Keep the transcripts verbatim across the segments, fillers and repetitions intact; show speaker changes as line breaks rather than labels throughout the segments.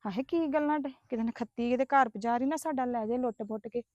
ਹਾਏ ਕੀ ਗੱਲਾਂ ਡੇ ਕਿਤੇ ਨਖੱਤੀ ਕਿਤੇ ਘਰ ਪਜਾ ਰਹੀ ਨਾ ਸਾਡਾ ਲੈ ਜੇ ਲੁੱਟ ਪੁੱਟ ਕੇ।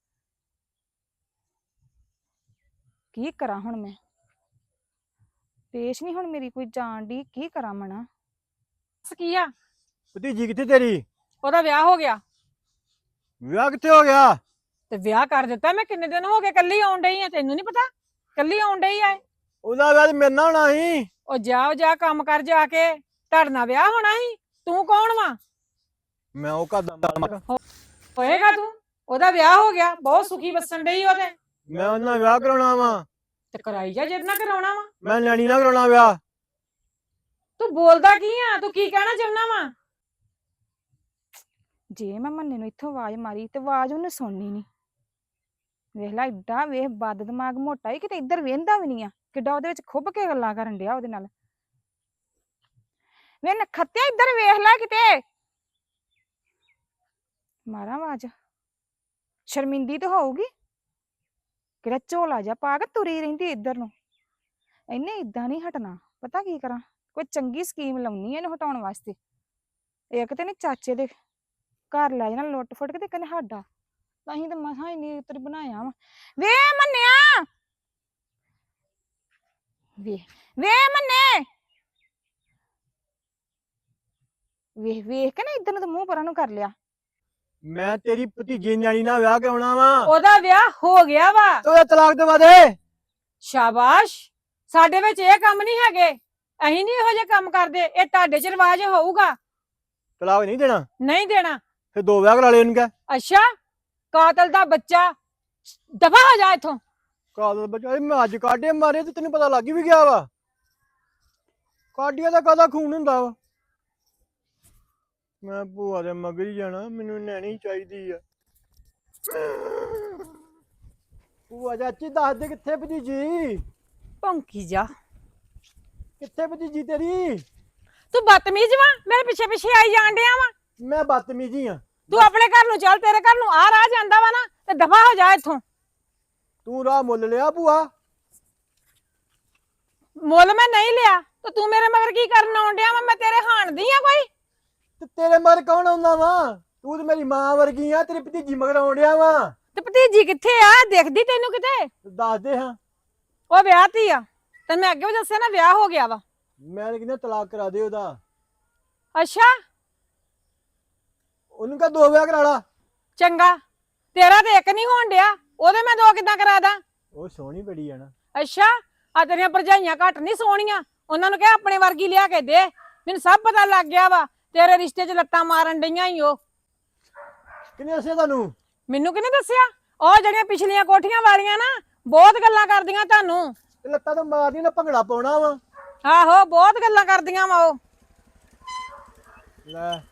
ਕੀ ਕਰਾਂ ਹੁਣ ਮੈਂ? ਪੇਸ਼ ਨਹੀਂ ਹੁਣ ਮੇਰੀ ਕੋਈ ਜਾਣ ਦੀ, ਕੀ ਕਰਾਂ ਮਣਾ?
ਕੀ ਆ?
ਭਤੀਜੀ ਕਿੱਥੇ ਤੇਰੀ?
ਉਹਦਾ ਵਿਆਹ ਹੋ ਗਿਆ।
ਵਿਆਹ ਕਿੱਥੇ ਹੋ ਗਿਆ?
ਤੇ ਵਿਆਹ ਕਰ ਦਿੱਤਾ। ਮੈਂ ਕਿੰਨੇ ਦਿਨ ਹੋ ਗਏ ਕੱਲੀ ਆਉਣ ਡਈ ਆ, ਤੈਨੂੰ ਨਹੀਂ ਪਤਾ? ਕੱਲੀ ਆਉਣ ਡਈ ਆ।
ਉਹਦਾ ਵਿਆਹ ਮੇਰੇ ਨਾਲ ਹੋਣਾ ਸੀ।
ਉਹ ਜਾਓ ਜਾ ਕੰਮ ਕਰ ਜਾ ਕੇ, ਤੁਹਾਡੇ ਨਾਲ ਵਿਆਹ ਹੋਣਾ ਸੀ। ਤੂੰ ਕੌਣ ਵਾ?
ਮੈਂ ਉਹ ਘਰ ਦਾ
ਹੋਏਗਾ ਤੂੰ। ਉਹਦਾ ਵਿਆਹ ਹੋ ਗਿਆ, ਬਹੁਤ ਸੁਖੀ ਵਸਣ ਡਈ ਉਹਦੇ।
ਮੈਂ ਉਹਨਾਂ ਨਾਲ ਵਿਆਹ ਕਰਾਉਣਾ ਵਾ।
ਤੇ ਕਰਾਈ ਜਾ ਜਿੱਦ ਨਾ ਕਰਾਉਣਾ ਵਾ।
ਮੈਂ ਨਿਆਣੀ ਨਾਲ ਕਰਾਉਣਾ ਵਿਆਹ।
ਤੂੰ ਬੋਲਦਾ ਕੀ ਆ? ਤੂੰ ਕੀ ਕਹਿਣਾ ਚਾਹੁੰਦਾ ਵਾ?
ਜੇ ਮੈਂ ਮੰਨੇ ਨੂੰ ਇੱਥੋਂ ਆਵਾਜ਼ ਮਾਰੀ ਤੇ ਆਵਾਜ਼ ਉਹਨੇ ਸੁਣਨੀ ਨਹੀਂ। ਵੇਖ ਲੈ ਏਡਾ ਵੇਖ ਬਦ ਦਿਮਾਗ ਮੋਟਾ ਹੀ ਕਿਤੇ ਇੱਧਰ ਵੇਂਦਾ ਵੀ ਨਹੀਂ ਆ। ਕਿੱਡਾ ਉਹਦੇ ਵਿੱਚ ਖੁੱਭ ਕੇ ਗੱਲਾਂ ਕਰਨ ਡਿਆ ਉਹਦੇ ਨਾਲ। ਵੇ ਨਖੱਤਿਆ ਇੱਧਰ ਵੇਖ ਲੈ ਕਿਤੇ। ਮਾਰਾਂ ਆਵਾਜ਼। ਸ਼ਰਮਿੰਦੀ ਤਾਂ ਹੋਊਗੀ। ਕਿਹੜਾ ਝੋਲਾ ਜਿਹਾ ਪਾ ਕੇ ਤੁਰੀ ਰਹਿੰਦੀ ਇੱਧਰ ਨੂੰ। ਇਹਨੇ ਇਦਾਂ ਨਹੀਂ ਹਟਣਾ। ਪਤਾ ਕੀ ਕਰਾਂ? ਕੋਈ ਚੰਗੀ ਸਕੀਮ ਲਾਉਣੀ ਇਹਨੂੰ ਹਟਾਉਣ ਵਾਸਤੇ। ਇੱਕ ਤੇ ਨੇ ਚਾਚੇ ਦੇ ਘਰ ਲੈ ਜਾਣਾ ਲੁੱਟ ਫੁੱਟ ਕੇ ਤੇ ਕਹਿੰਦੇ ਸਾਡਾ। ਤਾਂ ਹੀ ਤਾਂ ਮਸਾਂ ਇੰਨੀ ਉੱਤਰ ਬਣਾਇਆ ਵਾ। ਵੇ ਮੰਨਿਆ ਵੇ ਵੇ ਮੰਨੇ ਵੇਖ ਵੇਖ ਕੇ ਨਾ ਇੱਧਰ ਨੂੰ ਤਾਂ ਮੂੰਹ ਪਰਾਂ ਨੂੰ ਕਰ ਲਿਆ।
ਮੈਂ ਤੇਰੀ ਭਤੀਜੀ ਨਿਆਣੀ ਨਾਲ ਵਿਆਹ ਕਰਾਉਣਾ ਵਾ।
ਉਹਦਾ ਵਿਆਹ ਹੋ ਗਿਆ ਵਾ।
ਉਹਦਾ ਤਲਾਕ ਦਵਾ ਦੇ।
ਸ਼ਾਬਾਸ਼। ਸਾਡੇ ਵਿੱਚ ਇਹ ਕੰਮ ਨਹੀਂ ਹੈਗੇ। ਅਸੀਂ ਨਹੀਂ ਇਹੋ ਜਿਹੇ ਕੰਮ ਕਰਦੇ। ਇਹ ਤੁਹਾਡੇ ਚ ਰਿਵਾਜ ਹੋਊਗਾ।
ਤਲਾਕ ਨਹੀਂ ਦੇਣਾ?
ਨਹੀਂ ਦੇਣਾ।
ਫਿਰ ਦੋ ਵਿਆਹ ਕਰਾ ਲੈ ਉਹਨੂੰ ਕਹਿ।
ਅੱਛਾ, ਕਾਤਲ ਦਾ ਬੱਚਾ, ਦਫਾ ਹੋ ਜਾ ਇੱਥੋਂ।
ਕਾਦਲ ਬੱਚਾ ਮੈਂ ਅੱਜ ਕਾਢੇ ਮਾਰੇ ਤੇ ਤੈਨੂੰ ਪਤਾ ਲੱਗ ਵੀ ਗਿਆ ਵਾ। ਕਾਢੀਆਂ ਦਾ ਕਾਹਦਾ ਖੂਨ ਹੁੰਦਾ ਵਾ। ਮੈਂ ਭੂਆ ਦੇ ਮਗਰ ਹੀ ਜਾਣਾ, ਮੈਨੂੰ ਨੈਣੀ ਚਾਹੀਦੀ ਆ। ਭੂਆ ਚਾਚੀ ਦੱਸ ਦੇ ਕਿੱਥੇ ਭਤੀਜੀ?
ਭੌਂਕੀ ਜਾ।
ਕਿੱਥੇ ਭਤੀਜੀ ਤੇਰੀ?
ਤੂੰ ਬਦਤਮੀਜ਼ ਵਾ, ਮੇਰੇ ਪਿੱਛੇ ਪਿੱਛੇ ਆਈ ਜਾਣ ਡਿਆ ਵਾ।
ਮੈਂ ਬਦਤਮੀਜੀ ਆ।
ਤੂੰ ਆਪਣੇ ਘਰ ਨੂੰ ਚੱਲ, ਤੇਰੇ ਘਰ ਨੂੰ ਆ ਰਾਹ ਜਾਂਦਾ ਵਾ ਨਾ, ਤੇ ਦਫਾ ਹੋ ਜਾ ਇੱਥੋਂ।
ਤੂੰ ਰਾਹ ਮੁੱਲ ਲਿਆ ਭੂਆ?
ਮੁੱਲ ਮੈਂ ਨਹੀਂ ਲਿਆ ਤੇ ਤੂੰ ਮੇਰੇ ਮਗਰ ਕੀ ਕਰਨ ਆਉਣ ਡਿਆ ਵਾ? ਮੈਂ ਤੇਰੇ ਹਾਣਦੀ ਆ ਕੋਈ?
ਤੇ ਤੇਰੇ ਮਗਰ ਕੌਣ ਆਉਂਦਾ ਵਾ? ਤੂੰ ਤੇ ਮੇਰੀ ਮਾਂ ਵਰਗੀ ਆ, ਤੇਰੀ ਭਤੀਜੀ ਮਗਰ ਆਉਣ ਡਿਆ ਵਾ।
ਤੇ ਭਤੀਜੀ ਕਿੱਥੇ ਆ? ਦਿਖਦੀ ਤੈਨੂੰ ਕਿਤੇ?
ਦੱਸ ਦੇ ਹਾਂ।
ਉਹ ਵਿਆਹ ਤੀ ਆ। ਤੈਨੂੰ ਮੈਂ ਅੱਗੇ ਵੀ ਦੱਸਿਆ ਨਾ, ਵਿਆਹ ਹੋ ਗਿਆ ਵਾ।
ਮੈਂ ਤਾਂ ਕਹਿੰਦਾ ਤਲਾਕ ਕਰਾ ਦੇ ਉਹਦਾ।
ਅੱਛਾ,
ਉਹਨੂੰ ਕਹ ਦੋ ਵਿਆਹ ਕਰਾ ਲਾ।
ਚੰਗਾ। ਤੇਰਾ ਤੇ ਇੱਕ ਨਹੀਂ ਹੋਣ ਡਿਆ, ਉਹਦੇ ਮੈਂ ਦੋ ਕਿੱਦਾਂ ਕਰਾ ਦਾਂ?
ਉਹ ਸੋਹਣੀ ਬੜੀ ਆ ਨਾ।
ਅੱਛਾ, ਆ ਤੇਰੀਆਂ ਭਰਜਾਈਆਂ ਘੱਟ ਨਹੀਂ ਸੋਹਣੀਆਂ। ਉਹਨਾਂ ਨੂੰ ਕਹਿ ਆਪਣੇ ਵਰਗੀ ਲਿਆ ਕੇ ਦੇ। ਮੈਨੂੰ ਸਭ ਪਤਾ ਲੱਗ ਗਿਆ ਵਾ, ਤੇਰੇ ਰਿਸ਼ਤੇ 'ਚ ਲੱਤਾਂ ਮਾਰਨ ਡਈਆਂ ਹੀ ਉਹ।
ਕਿਹਨੇ ਦੱਸਿਆ ਤੁਹਾਨੂੰ?
ਮੈਨੂੰ ਕਿਹਨੇ ਦੱਸਿਆ? ਉਹ ਜਿਹੜੀਆਂ ਪਿਛਲੀਆਂ ਕੋਠੀਆਂ ਵਾਲੀਆਂ ਨਾ, ਬਹੁਤ ਗੱਲਾਂ ਕਰਦੀਆਂ ਤੁਹਾਨੂੰ।
ਤੇ ਲੱਤਾਂ ਤਾਂ ਮਾਰਦੀ ਨਾ, ਭੰਗੜਾ ਪਾਉਣਾ ਵਾ।
ਆਹੋ, ਬਹੁਤ ਗੱਲਾਂ ਕਰਦੀਆਂ ਵਾ ਉਹ।
ਲੈ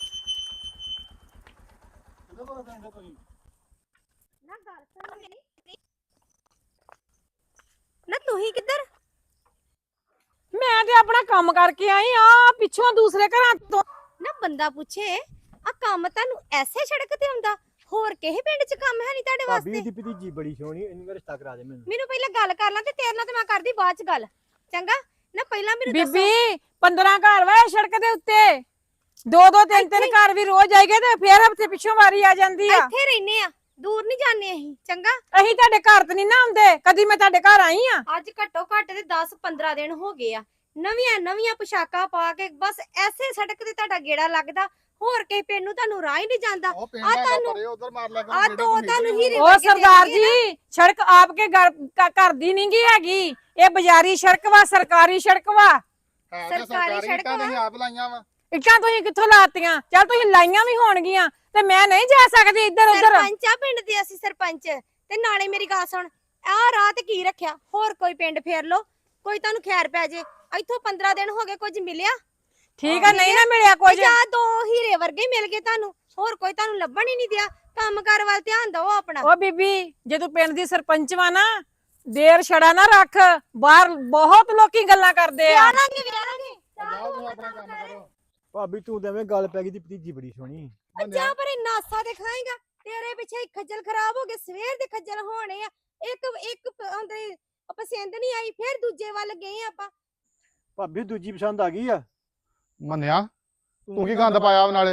ਨਾ ਤੂੰ ਹੀ ਕਿੱਧਰ?
ਮੈਂ ਤੇ ਆਪਣਾ ਕੰਮ ਕਰਕੇ ਆਈ ਆ ਪਿੱਛੋਂ ਦੂਸਰੇ ਘਰਾਂ ਤੋਂ।
ਨਾ ਬੰਦਾ ਪੁੱਛੇ ਆ ਕੰਮ ਤੁਹਾਨੂੰ ਐਸੇ ਸੜਕ ਤੇ ਹੁੰਦਾ? ਹੋਰ ਕਿਸੇ ਪਿੰਡ 'ਚ ਕੰਮ ਹੈ ਨਹੀਂ ਤੁਹਾਡੇ
ਭਾਬੀ
ਵਾਸਤੇ?
ਦੀ ਭਤੀਜੀ ਬੜੀ ਸੋਹਣੀ, ਇਹਨੂੰ ਰਿਸ਼ਤਾ ਕਰਾ ਦੇ ਮੈਨੂੰ।
ਮੈਨੂੰ ਪਹਿਲਾਂ ਗੱਲ ਕਰ ਲਾਂ ਤੇ ਤੇਰੇ ਨਾਲ ਤੇ ਮੈਂ ਕਰਦੀ ਬਾਅਦ 'ਚ ਗੱਲ। ਚੰਗਾ ਨਾ, ਪਹਿਲਾਂ ਮੈਨੂੰ ਦੱਸੋ।
ਬੀਬੀ ਪੰਦਰਾਂ ਘਰ ਵਾ ਸੜਕ ਦੇ ਉੱਤੇ। ਦੋ ਦੋ ਤਿੰਨ ਤਿੰਨ ਘਰ ਵੀ ਰੋਜ਼ ਆਈਗੇ ਤੇ ਫੇਰ ਹਫਤੇ ਪਿੱਛੋਂ ਵਾਰੀ ਆ ਜਾਂਦੀ ਆ।
ਇੱਥੇ ਰਹਿੰਦੇ ਆ, ਦੂਰ ਨਹੀਂ ਜਾਂਦੇ ਅਸੀਂ। ਚੰਗਾ,
ਅਸੀਂ ਤੁਹਾਡੇ ਘਰ ਤੇ ਨਹੀਂ ਨਾ ਆਉਂਦੇ। ਕਦੀ ਮੈਂ ਤੁਹਾਡੇ ਘਰ ਆਈ ਆ?
ਅੱਜ ਘੱਟੋ ਘੱਟ ਤੇ ਦਸ ਪੰਦਰਾਂ ਦਿਨ ਹੋ ਗਏ ਆ। ਨਵੀਆਂ ਨਵੀਆਂ ਪੁਸ਼ਾਕਾਂ ਪਾ ਕੇ ਬਸ ਐਸੇ ਸੜਕ ਤੇ ਤੁਹਾਡਾ ਗੇੜਾ ਲੱਗਦਾ। ਹੋਰ ਕਿਸੇ ਪਿੰਡ ਨੂੰ ਤੁਹਾਨੂੰ ਰਾਹ ਹੀ ਨਹੀਂ ਜਾਂਦਾ।
ਉਹ ਪਿੰਡ
ਆ
ਹੈਗਾ
ਤੁਹਾਨੂੰ-
ਪਰੇ ਉਧਰ ਮਾਰ ਲਿਆ ਕਰੋ
ਆ
ਜਿਹੜੇ
ਦੋ
ਤੁਸੀਂ
ਤੁਹਾਨੂੰ ਹੀਰੇ
ਉਹ ਸਰਦਾਰ ਜੀ, ਸੜਕ ਆਪਕੇ ਘਰ ਘਰ ਦੀ ਨਹੀਂ ਗੀ ਹੈਗੀ। ਇਹ ਬਾਜ਼ਾਰੀ ਸੜਕ ਵਾ, ਸਰਕਾਰੀ ਸੜਕ ਵਾ।
ਹੈ ਤੇ
ਸਰਕਾਰੀ
ਸਰਕਾਰੀ
ਸੜਕ
ਇੱਟਾਂ
ਵਾ।
ਤੁਸੀਂ ਆਪ ਲਾਈਆਂ ਵਾ।
ਇੱਟਾਂ ਤੁਸੀਂ ਕਿੱਥੋਂ ਲਾਤੀਆਂ? ਚੱਲ ਤੁਸੀਂ ਲਾਈਆਂ ਵੀ ਹੋਣਗੀਆਂ ਤੇ ਮੈਂ ਨਹੀਂ ਜਾ ਸਕਦੀ ਇੱਧਰ ਉੱਧਰ।
ਸਰਪੰਚ ਆ ਪਿੰਡ ਦੇ ਅਸੀਂ, ਸਰਪੰਚ। ਤੇ ਨਾਲੇ ਮੇਰੀ ਗੱਲ ਸੁਣ, ਆਹ ਰਾਹ ਤੇ ਕੀ ਰੱਖਿਆ? ਹੋਰ ਕੋਈ ਪਿੰਡ ਫੇਰ ਲੋ, ਕੋਈ ਤੁਹਾਨੂੰ ਖੈਰ ਪੈ ਜੇ। ਇੱਥੋਂ ਪੰਦਰਾਂ ਦਿਨ ਹੋ ਗਏ, ਕੁਝ ਮਿਲਿਆ?
ਠੀਕ ਆ, ਨਹੀਂ ਨਾ ਮਿਲਿਆ ਕੁਝ।
ਜਾਂ ਦੋ ਹੀਰੇ ਵਰਗੇ ਹੀ ਮਿਲ ਗਏ ਤੁਹਾਨੂੰ, ਹੋਰ ਕੋਈ ਤੁਹਾਨੂੰ ਲੱਭਣ ਹੀ ਨਹੀਂ ਦਿਆ। ਕੰਮ ਕਾਰ ਵੱਲ ਧਿਆਨ ਦਿਓ ਆਪਣਾ।
ਉਹ ਬੀਬੀ, ਜੇ ਤੂੰ ਪਿੰਡ ਦੀ ਸਰਪੰਚ ਵਾ ਨਾ, ਦੇਰ ਛੜਾ ਨਾ ਰੱਖ। ਬਾਹਰ ਬਹੁਤ ਲੋਕੀ ਗੱਲਾਂ ਕਰਦੇ ਆ।
ਵਿਆਹਾਂਗੇ ਵਿਆਹਾਂਗੇ
ਜਾਓ ਤੁਸੀਂ ਆਪਣਾ ਕੰਮ ਕਰੋ।
ਭਾਬੀ ਤੂੰ ਤਾਂ ਐਵੇਂ ਗੱਲ ਪੈ ਗਈ ਦੀ ਭਤੀਜੀ ਬੜੀ ਸੋਹਣੀ।
ਜਾਂ ਪਰ ਇਹ ਨਾਸਾ ਤੇ ਖਾਏਗਾ। ਤੇਰੇ ਪਿੱਛੇ ਹੀ ਖੱਜਲ ਖਰਾਬ ਹੋ ਗਏ, ਸਵੇਰ ਦੇ ਖੱਜਲ ਹੋਣੇ ਆ। ਇੱਕ ਇੱਕ ਹੁੰਦੇ ਪਸੰਦ ਨਹੀਂ ਆਈ, ਫਿਰ ਦੂਜੇ ਵੱਲ ਗਏ ਆਪਾਂ।
ਭਾਬੀ ਦੂਜੀ ਪਸੰਦ ਆ ਗਈ ਆ।
ਮੰਨਿਆ ਤੂੰ ਕੀ ਗੰਦ ਪਾਇਆ ਨਾਲੇ?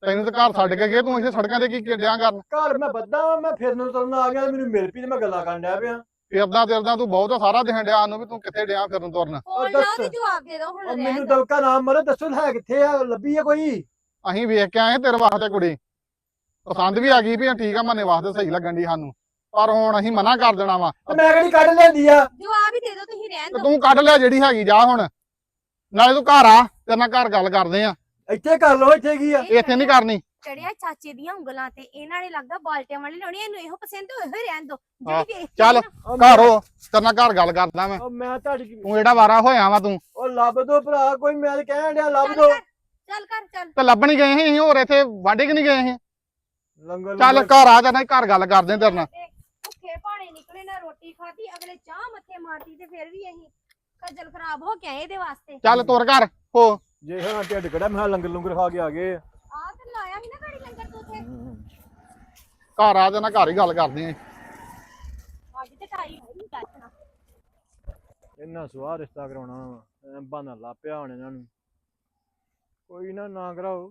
ਤੈਨੂੰ ਤਾਂ ਘਰ ਛੱਡ ਕੇ ਗਏ ਤੂੰ ਇੱਥੇ ਸੜਕਾਂ ਤੇ ਕੀ ਡਿਆਂ ਕਰਨ
ਘਰ ਮੈਂ ਬੱਦਾ ਵਾਂ, ਮੈਂ ਫਿਰਨ ਤੁਰਨ ਆ ਗਿਆ ਮੈਨੂੰ ਮਿਲ ਪਈ ਤੇ ਮੈਂ ਗੱਲਾਂ ਕਰਨ ਡਿਆ ਪਿਆ।
ਫਿਰਦਾ ਫਿਰਦਾ ਤੂੰ ਬਹੁਤ ਸਾਰਾ ਦਿਨ ਡਿਆ ਨੂੰ ਵੀ ਤੂੰ ਕਿੱਥੇ ਡਿਆ ਫਿਰਨ ਤੁਰਨ।
ਫੋਨ
ਦੱਸ।
ਲਾਓ ਤੇ ਜਵਾਬ ਦੇ ਦਿਓ ਹੁਣ
ਉਹ
ਰਹਿਣ
ਮੈਨੂੰ
ਦਿਓ।
ਦਵਕਾ ਨਾਮ ਮਰੇ ਦੱਸੋ ਹੈ ਕਿੱਥੇ ਆ, ਲੱਭੀ ਆ ਕੋਈ?
ਅਸੀਂ ਵੇਖ ਕੇ ਆਏ ਤੇਰੇ ਵਾਸਤੇ ਕੁੜੀ ਪਸੰਦ ਵੀ ਆ ਗਈ ਵੀ ਠੀਕ ਆ ਮੰਨੇ ਵਾਸਤੇ ਸਹੀ ਲੱਗਣ ਦੀ ਸਾਨੂੰ, ਪਰ ਹੁਣ ਅਸੀਂ ਮਨਾ ਕਰ ਦੇਣਾ ਵਾ।
ਤੇ ਮੈਂ ਕਿਹੜੀ ਕੱਢ ਲੈਂਦੀ ਆ?
ਜਵਾਬ ਹੀ ਦੇ ਦਿਓ ਤੁਸੀਂ ਰਹਿਣ
ਤੇ
ਦਿਓ।
ਤੂੰ ਕੱਢ ਲਿਆ ਜਿਹੜੀ ਹੈਗੀ ਜਾ ਹੁਣ, ਨਾਲੇ ਤੂੰ ਘਰ ਆ ਤੇਰੇ ਨਾਲ ਘਰ ਗੱਲ ਕਰਦੇ ਆ,
ਇੱਥੇ ਕਰ ਲਓ, ਇੱਥੇ ਕੀ ਆ?
ਇੱਥੇ ਨਹੀਂ ਕਰਨੀ।
ਚੜਿਆ ਚਾਚੇ ਦੀਆਂ ਉਂਗਲਾਂ ਤੇ ਇਹਨਾਂ ਨੇ ਲੱਗਦਾ ਬਾਲਟਿਆਂ ਵਾਲੀ ਲਾਉਣੀ, ਇਹਨੂੰ ਇਹੋ ਪਸੰਦ ਹੋਏ ਹੋਏ ਰਹਿਣ ਦਿਓ।
ਹਾਂ,
ਜਿਹੜੀ ਵੇਖ
ਚੱਲ
ਉਹ
ਘਰ ਹੋ ਤੇਰੇ ਨਾਲ ਘਰ ਗੱਲ ਕਰਦਾ ਮੈਂ।
ਉਹ ਮੈਂ ਤੁਹਾਡੀ
ਤੂੰ ਜਿਹੜਾ ਵਾਰਾ ਹੋਇਆ ਵਾ ਤੂੰ
ਉਹ ਲੱਭ ਦੋ ਭਰਾ ਕੋਈ, ਮੈਂ ਤਾਂ ਕਹਿਣ ਡਿਆ ਲੱਭ
ਚੱਲ
ਦੋ।
ਕਰ, ਚੱਲ ਕਰ ਚੱਲ।
ਤੇ ਲੱਭਣ ਹੀ ਗਏ ਸੀ ਅਸੀਂ, ਹੋਰ ਇੱਥੇ ਵਾਢੇ ਕਿ ਨਹੀਂ ਗਏ ਸੀ।
ਲੰਗਰ
ਚੱਲ
ਲੰਗਰ-
ਘਰ ਆ ਜਾਣਾ ਘਰ ਗੱਲ ਕਰਦੇ ਆ ਤੇਰੇ ਨਾਲ।
ਤੇ ਭੁੱਖੇ ਭਾਣੇ ਨਿਕਲੇ ਨਾ ਰੋਟੀ ਖਾਧੀ, ਅਗਲੇ ਚਾਹ ਮੱਥੇ ਮਾਰਤੀ ਤੇ ਫਿਰ ਵੀ ਅਸੀਂ ਖੱਜਲ ਖਰਾਬ ਹੋ ਕੇ ਆਏ ਇਹਦੇ ਵਾਸਤੇ।
ਚੱਲ ਤੁਰ ਘਰ ਹੋ।
ਜੇ ਹਾਂ ਢਿੱਡ ਕੜਾ ਮੈਂ ਕਿਹਾ ਲੰਗਰ ਲੰਗਰ ਖਾ ਕੇ ਆ ਗਏ ਆ।
ਆਹ ਤੇ ਲਾਇਆ ਸੀ ਨਾ ਗਾੜੀ ਲੰਗਰ ਤੂੰ ਉੱਥੇ।
ਘਰ ਆ ਜਾਣਾ ਘਰ ਹੀ ਗੱਲ ਕਰਦੇ ਆ।
ਅੱਜ ਤੇ ਟਾਈ ਹੋਈ ਦੱਸਣਾ।
ਇਹਨਾਂ ਸਵਾਹ ਰਿਸ਼ਤਾ ਕਰਾਉਣਾ ਵਾ, ਐਂ ਬਹਾਨਾ ਲਾ ਪਿਆ ਹੁਣ ਇਹਨਾਂ ਨੂੰ। ਕੋਈ ਨਾ ਨਾ ਕਰਾਓ,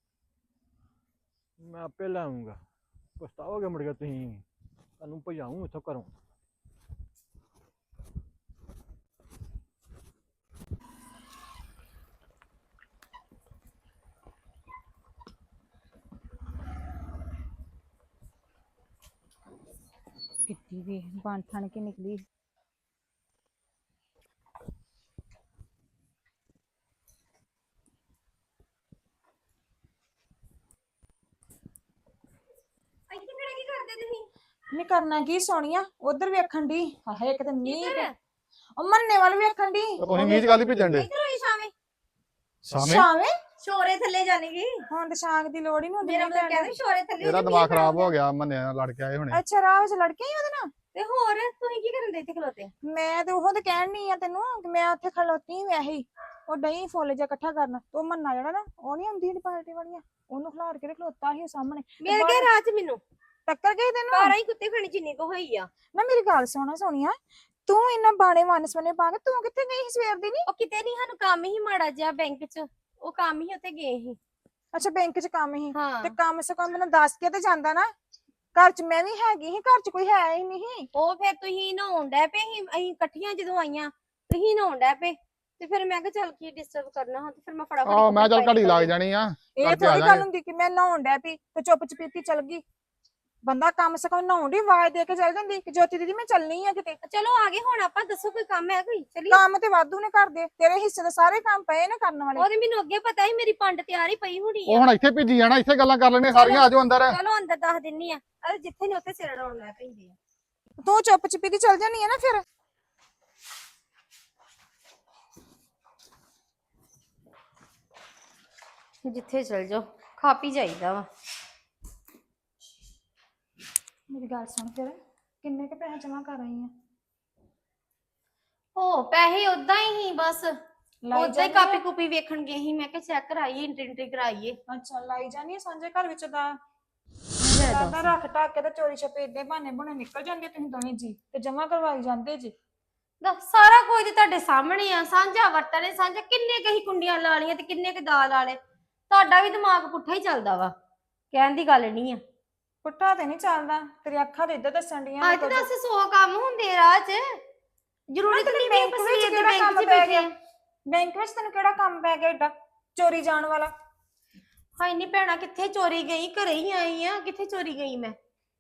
ਮੈਂ ਆਪੇ ਲਾਉਂਗਾ। ਪਛਤਾਓਗੇ ਮੁੜ ਕੇ ਤੁਸੀਂ, ਤੁਹਾਨੂੰ ਭਜਾਊਂ ਇੱਥੋਂ ਘਰੋਂ।
ਕਿੱਡੀ ਵੀ ਬਣ ਠਣ ਕੇ ਨਿਕਲੀ।
ਇੱਥੇ ਖੜੇ ਕੀ ਕਰਦੇ ਤੁਸੀਂ?
ਨਹੀਂ ਕਰਨਾ ਕੀ ਸੋਹਣੀਆ, ਉਧਰ ਵੇਖਣ ਦੀ। ਹਾਏ ਕਿਤੇ ਮੀਂਹ
ਕਿੱਧਰ?
ਉਹ ਮੰਨੇ ਵੱਲ ਵੇਖਣ ਦੀ।
ਤੁਸੀਂ ਮੀਂਹ ਚ ਗੱਲ ਹੀ ਭੇਜਣ ਦੇ
ਇੱਧਰ ਹੋਈ ਸ਼ਾਮੇ
ਸਾਵੇਂ।
ਸ਼ਾਵੇਂ
ਸ਼ੋਰੇ ਥੱਲੇ ਜਾਣੇਗੀ।
ਹੁਣ ਤੇ ਸ਼ਾਂਗ ਦੀ ਲੋੜ ਹੀ ਨਹੀਂ ਹੁੰਦੀ।
ਮੇਰਾ
ਮੀਂਹ
ਮਤਲਬ
ਪੈਣ
ਕਹਿੰਦੇ
ਦੀ।
ਸ਼ੋਰੇ ਥੱਲੇ
ਇਹਦਾ
ਜੇ
ਦਿਮਾਗ
ਮੀਂਹ
ਖਰਾਬ
ਪੈਂਦਾ।
ਹੋ ਗਿਆ ਮੰਨੇ ਨਾਲ ਲੜ ਕੇ ਆਏ ਹੁਣੇ।
ਅੱਛਾ ਰਾਹ ਵਿੱਚ ਲੜਕੇ ਹੀ ਉਹਦੇ ਨਾਲ।
ਤੇ ਹੋਰ ਤੁਸੀਂ ਕੀ ਕਰਨ ਦੇ ਇੱਥੇ ਖਲੋਤੇ?
ਮੈਂ ਤੇ ਉਹ ਤੇ ਕਹਿਣ ਨਹੀਂ ਆ ਤੈਨੂੰ ਕਿ ਮੈਂ ਉੱਥੇ ਖਲੋਤੀ ਵੈਸੇ ਹੀ। ਉਹ ਡਈ ਫੁੱਲ ਜਿਹਾ ਇਕੱਠਾ ਕਰਨ। ਉਹ ਮੰਨਾ ਜਿਹੜਾ ਨਾ, ਉਹ ਨਹੀਂ ਹੁੰਦੀ ਪਾਰਟੀ ਵਾਲੀਆਂ, ਉਹਨੂੰ ਖਿਲਾਰ ਕੇ ਖਲੋਤਾ ਸੀ ਉਹ ਸਾਹਮਣੇ।
ਮਿਲ ਗਿਆ ਰਾਹ ਚ ਮੈਨੂੰ।
ਟੱਕਰ ਗਈ ਤੈਨੂੰ?
ਘਰ ਹੀ ਕੁੱਤੇ ਖਾਣੀ ਜਿੰਨੀ ਕੋ ਹੋਈ ਆ।
ਨਾ ਮੇਰੀ ਗੱਲ ਸੁਣਾ ਸੋਹਣੀਆ, ਤੂੰ ਇੰਨਾ ਬਾਣੇ ਵਨਸਵਨੇ ਪਾ ਕੇ ਤੂੰ ਕਿੱਥੇ ਗਈ ਸੀ ਸਵੇਰ ਦੀ? ਨਹੀਂ
ਉਹ ਕਿਤੇ ਨਹੀਂ, ਸਾਨੂੰ ਕੰਮ ਹੀ ਮਾੜਾ ਜਿਹਾ ਬੈਂਕ ਚ, ਉਹ ਕੰਮ ਹੀ ਉੱਥੇ ਗਏ ਸੀ।
ਅੱਛਾ ਬੈਂਕ 'ਚ ਕੰਮ ਹੀ?
ਹਾਂ
ਤੇ ਕੰਮ ਸੇ ਕੰਮ ਮੈਨੂੰ ਦੱਸ ਕੇ ਤੇ ਜਾਂਦਾ ਨਾ। ਘਰ 'ਚ ਮੈਂ ਵੀ ਹੈਗੀ ਸੀ, ਘਰ 'ਚ ਕੋਈ ਹੈ ਹੀ ਨਹੀਂ।
ਉਹ ਫਿਰ ਤੁਸੀਂ ਨਹਾਉਣ ਡੈ ਪਏ ਸੀ, ਅਸੀਂ ਇਕੱਠੀਆਂ ਜਦੋਂ ਆਈਆਂ ਤੁਸੀਂ ਨਹਾਉਣ ਡੈ ਪਏ ਤੇ ਫਿਰ ਮੈਂ ਕਿਹਾ ਚੱਲ ਕੀ ਡਿਸਟਰਬ ਕਰਨਾ ਹੁਣ, ਤੇ ਫਿਰ ਮੈਂ ਫਟਾਫਟ
ਆਹ ਮੈਂ ਚੱਲ
ਕੱਪੜੇ
ਘੜੀ ਲੱਗ
ਪਾਏ।
ਜਾਣੀ ਆ।
ਇਹ
ਕਰਕੇ ਆ
ਥੋੜੀ
ਜਾਾਂਗੇ।
ਗੱਲ ਹੁੰਦੀ ਕਿ ਮੈਂ ਨਹਾਉਣ ਡੈ ਪਈ ਤੇ ਚੁੱਪ ਚਪੀਤੀ ਚਲ ਗਈ। ਬੰਦਾ ਕੰਮ ਸੇ ਕੰਮ ਨਹਾਉਣ ਦੀ ਆਵਾਜ਼ ਦੇ ਕੇ ਚੱਲ ਜਾਂਦੀ ਕਿ ਜੋਤੀ ਦੀਦੀ ਮੈਂ ਚੱਲਣੀ ਆ ਕਿਤੇ।
ਚਲੋ ਆ ਗਏ ਹੁਣ ਆਪਾਂ, ਦੱਸੋ ਕੋਈ ਕੰਮ ਹੈ ਕੋਈ? ਚਲੀ
ਕੰਮ ਤੇ ਵਾਧੂ ਨੇ ਕਰਦੇ, ਤੇਰੇ ਹਿੱਸੇ ਦੇ ਸਾਰੇ ਕੰਮ ਪਏ ਨੇ ਕਰਨ ਵਾਲੇ।
ਉਹਦੇ ਮੈਨੂੰ ਅੱਗੇ ਪਤਾ ਸੀ ਮੇਰੀ ਪੰਡ ਤਿਆਰ ਹੀ ਪਈ ਹੋਣੀ
ਉਹ
ਆ।
ਹੁਣ ਇੱਥੇ ਭੇਜੀ ਜਾਣਾ, ਇੱਥੇ ਗੱਲਾਂ ਕਰ ਲੈਣੇ ਸਾਰੀਆਂ। ਆਜੋ ਅੰਦਰ।
ਚਲੋ ਅੰਦਰ ਦੱਸ ਦਿੰਨੀ ਆ। ਅਰੇ ਜਿੱਥੇ ਨਹੀਂ ਉੱਥੇ ਸਿਰ ਡਾਉਣ ਲੈ ਪੈਂਦੇ ਆ।
ਤੂੰ ਚੁੱਪ ਚਪੀਤੀ ਚਲ ਜਾਨੀ ਆ ਨਾ ਫਿਰ।
ਜਿੱਥੇ ਚਲ ਜਾਓ ਖਾ ਪੀ ਜਾਈਦਾ ਵਾ।
ਮੇਰੀ ਗੱਲ ਸੁਣ, ਫਿਰ ਕਿੰਨੇ ਕੇ ਪੈਸੇ ਜਮਾ ਕਰ ਆਈ ਆ?
ਉਹ ਪੈਸੇ ਉਦਾਂ ਹੀ ਹੀ ਬਸ
ਲਾਈ
ਉਦਾਂ ਹੀ
ਜਾਂਦੀ
ਕਾਪੀ
ਆ?
ਕੂਪੀ ਵੇਖਣ ਗਏ ਸੀ, ਮੈਂ ਕਿਹਾ ਚੈੱਕ ਕਰਾਈਏ, ਐਂਟਰੀ ਐਂਟਰੀ ਕਰਾਈਏ।
ਅੱਛਾ ਲਾਈ ਜਾਨੀ ਆ ਸਾਂਝੇ ਘਰ ਵਿੱਚ ਦਾ।
ਲੈ
ਦਾਦਾ ਰੱਖ ਟੱਕ ਕੇ ਤੇ ਚੋਰੀ ਛਪੇ ਏਡੇ ਬਹਾਨੇ ਬਣੇ ਨਿਕਲ ਜਾਂਦੇ ਤੁਸੀਂ ਦੋਵੇਂ ਜੀ ਤੇ ਜਮਾ ਕਰਵਾਈ ਜਾਂਦੇ ਜੀ।
ਦੱਸ, ਸਾਰਾ ਕੁਝ ਤੇ ਤੁਹਾਡੇ ਸਾਹਮਣੇ ਆ। ਸਾਂਝਾ ਵਰਤਣੇ ਸਾਂਝਾ, ਕਿੰਨੇ ਕਹੀ ਕੁੰਡੀਆਂ ਲਾ ਲੀਆਂ ਤੇ ਕਿੰਨੇ ਕ ਦਾਲ ਵਾਲੇ। ਤੁਹਾਡਾ ਵੀ ਦਿਮਾਗ ਪੁੱਠਾ ਹੀ ਚੱਲਦਾ ਵਾ, ਕਹਿਣ ਦੀ ਗੱਲ ਨਹੀਂ ਆ।
ਪੁੱਠਾ ਤੇ ਨਹੀਂ ਚੱਲਦਾ, ਤੇਰੀ ਅੱਖਾਂ ਤੇ ਇੱਧਰ ਦੱਸਣ ਡੀਆਂ
ਅੱਜ ਦੱਸ ਸੌ ਕੰਮ ਹੁੰਦੇ ਰਾਹ 'ਚ, ਜ਼ਰੂਰੀ ਤਾਂ ਨਹੀਂ ਵੀ ਆਪਾਂ ਸਵੇਰ ਦੇ ਬੈਂਕ 'ਚ ਬੈਠੇ ਆ।
ਬੈਂਕ ਵਿੱਚ ਤੈਨੂੰ ਕਿਹੜਾ ਕੰਮ ਪੈ ਗਿਆ ਏਡਾ ਚੋਰੀ ਜਾਣ ਵਾਲਾ?
ਹਾਏ ਨਹੀਂ ਭੈਣਾ, ਕਿੱਥੇ ਚੋਰੀ ਗਈ? ਘਰੇ ਹੀ ਆਈ ਆ, ਕਿੱਥੇ ਚੋਰੀ ਗਈ ਮੈਂ?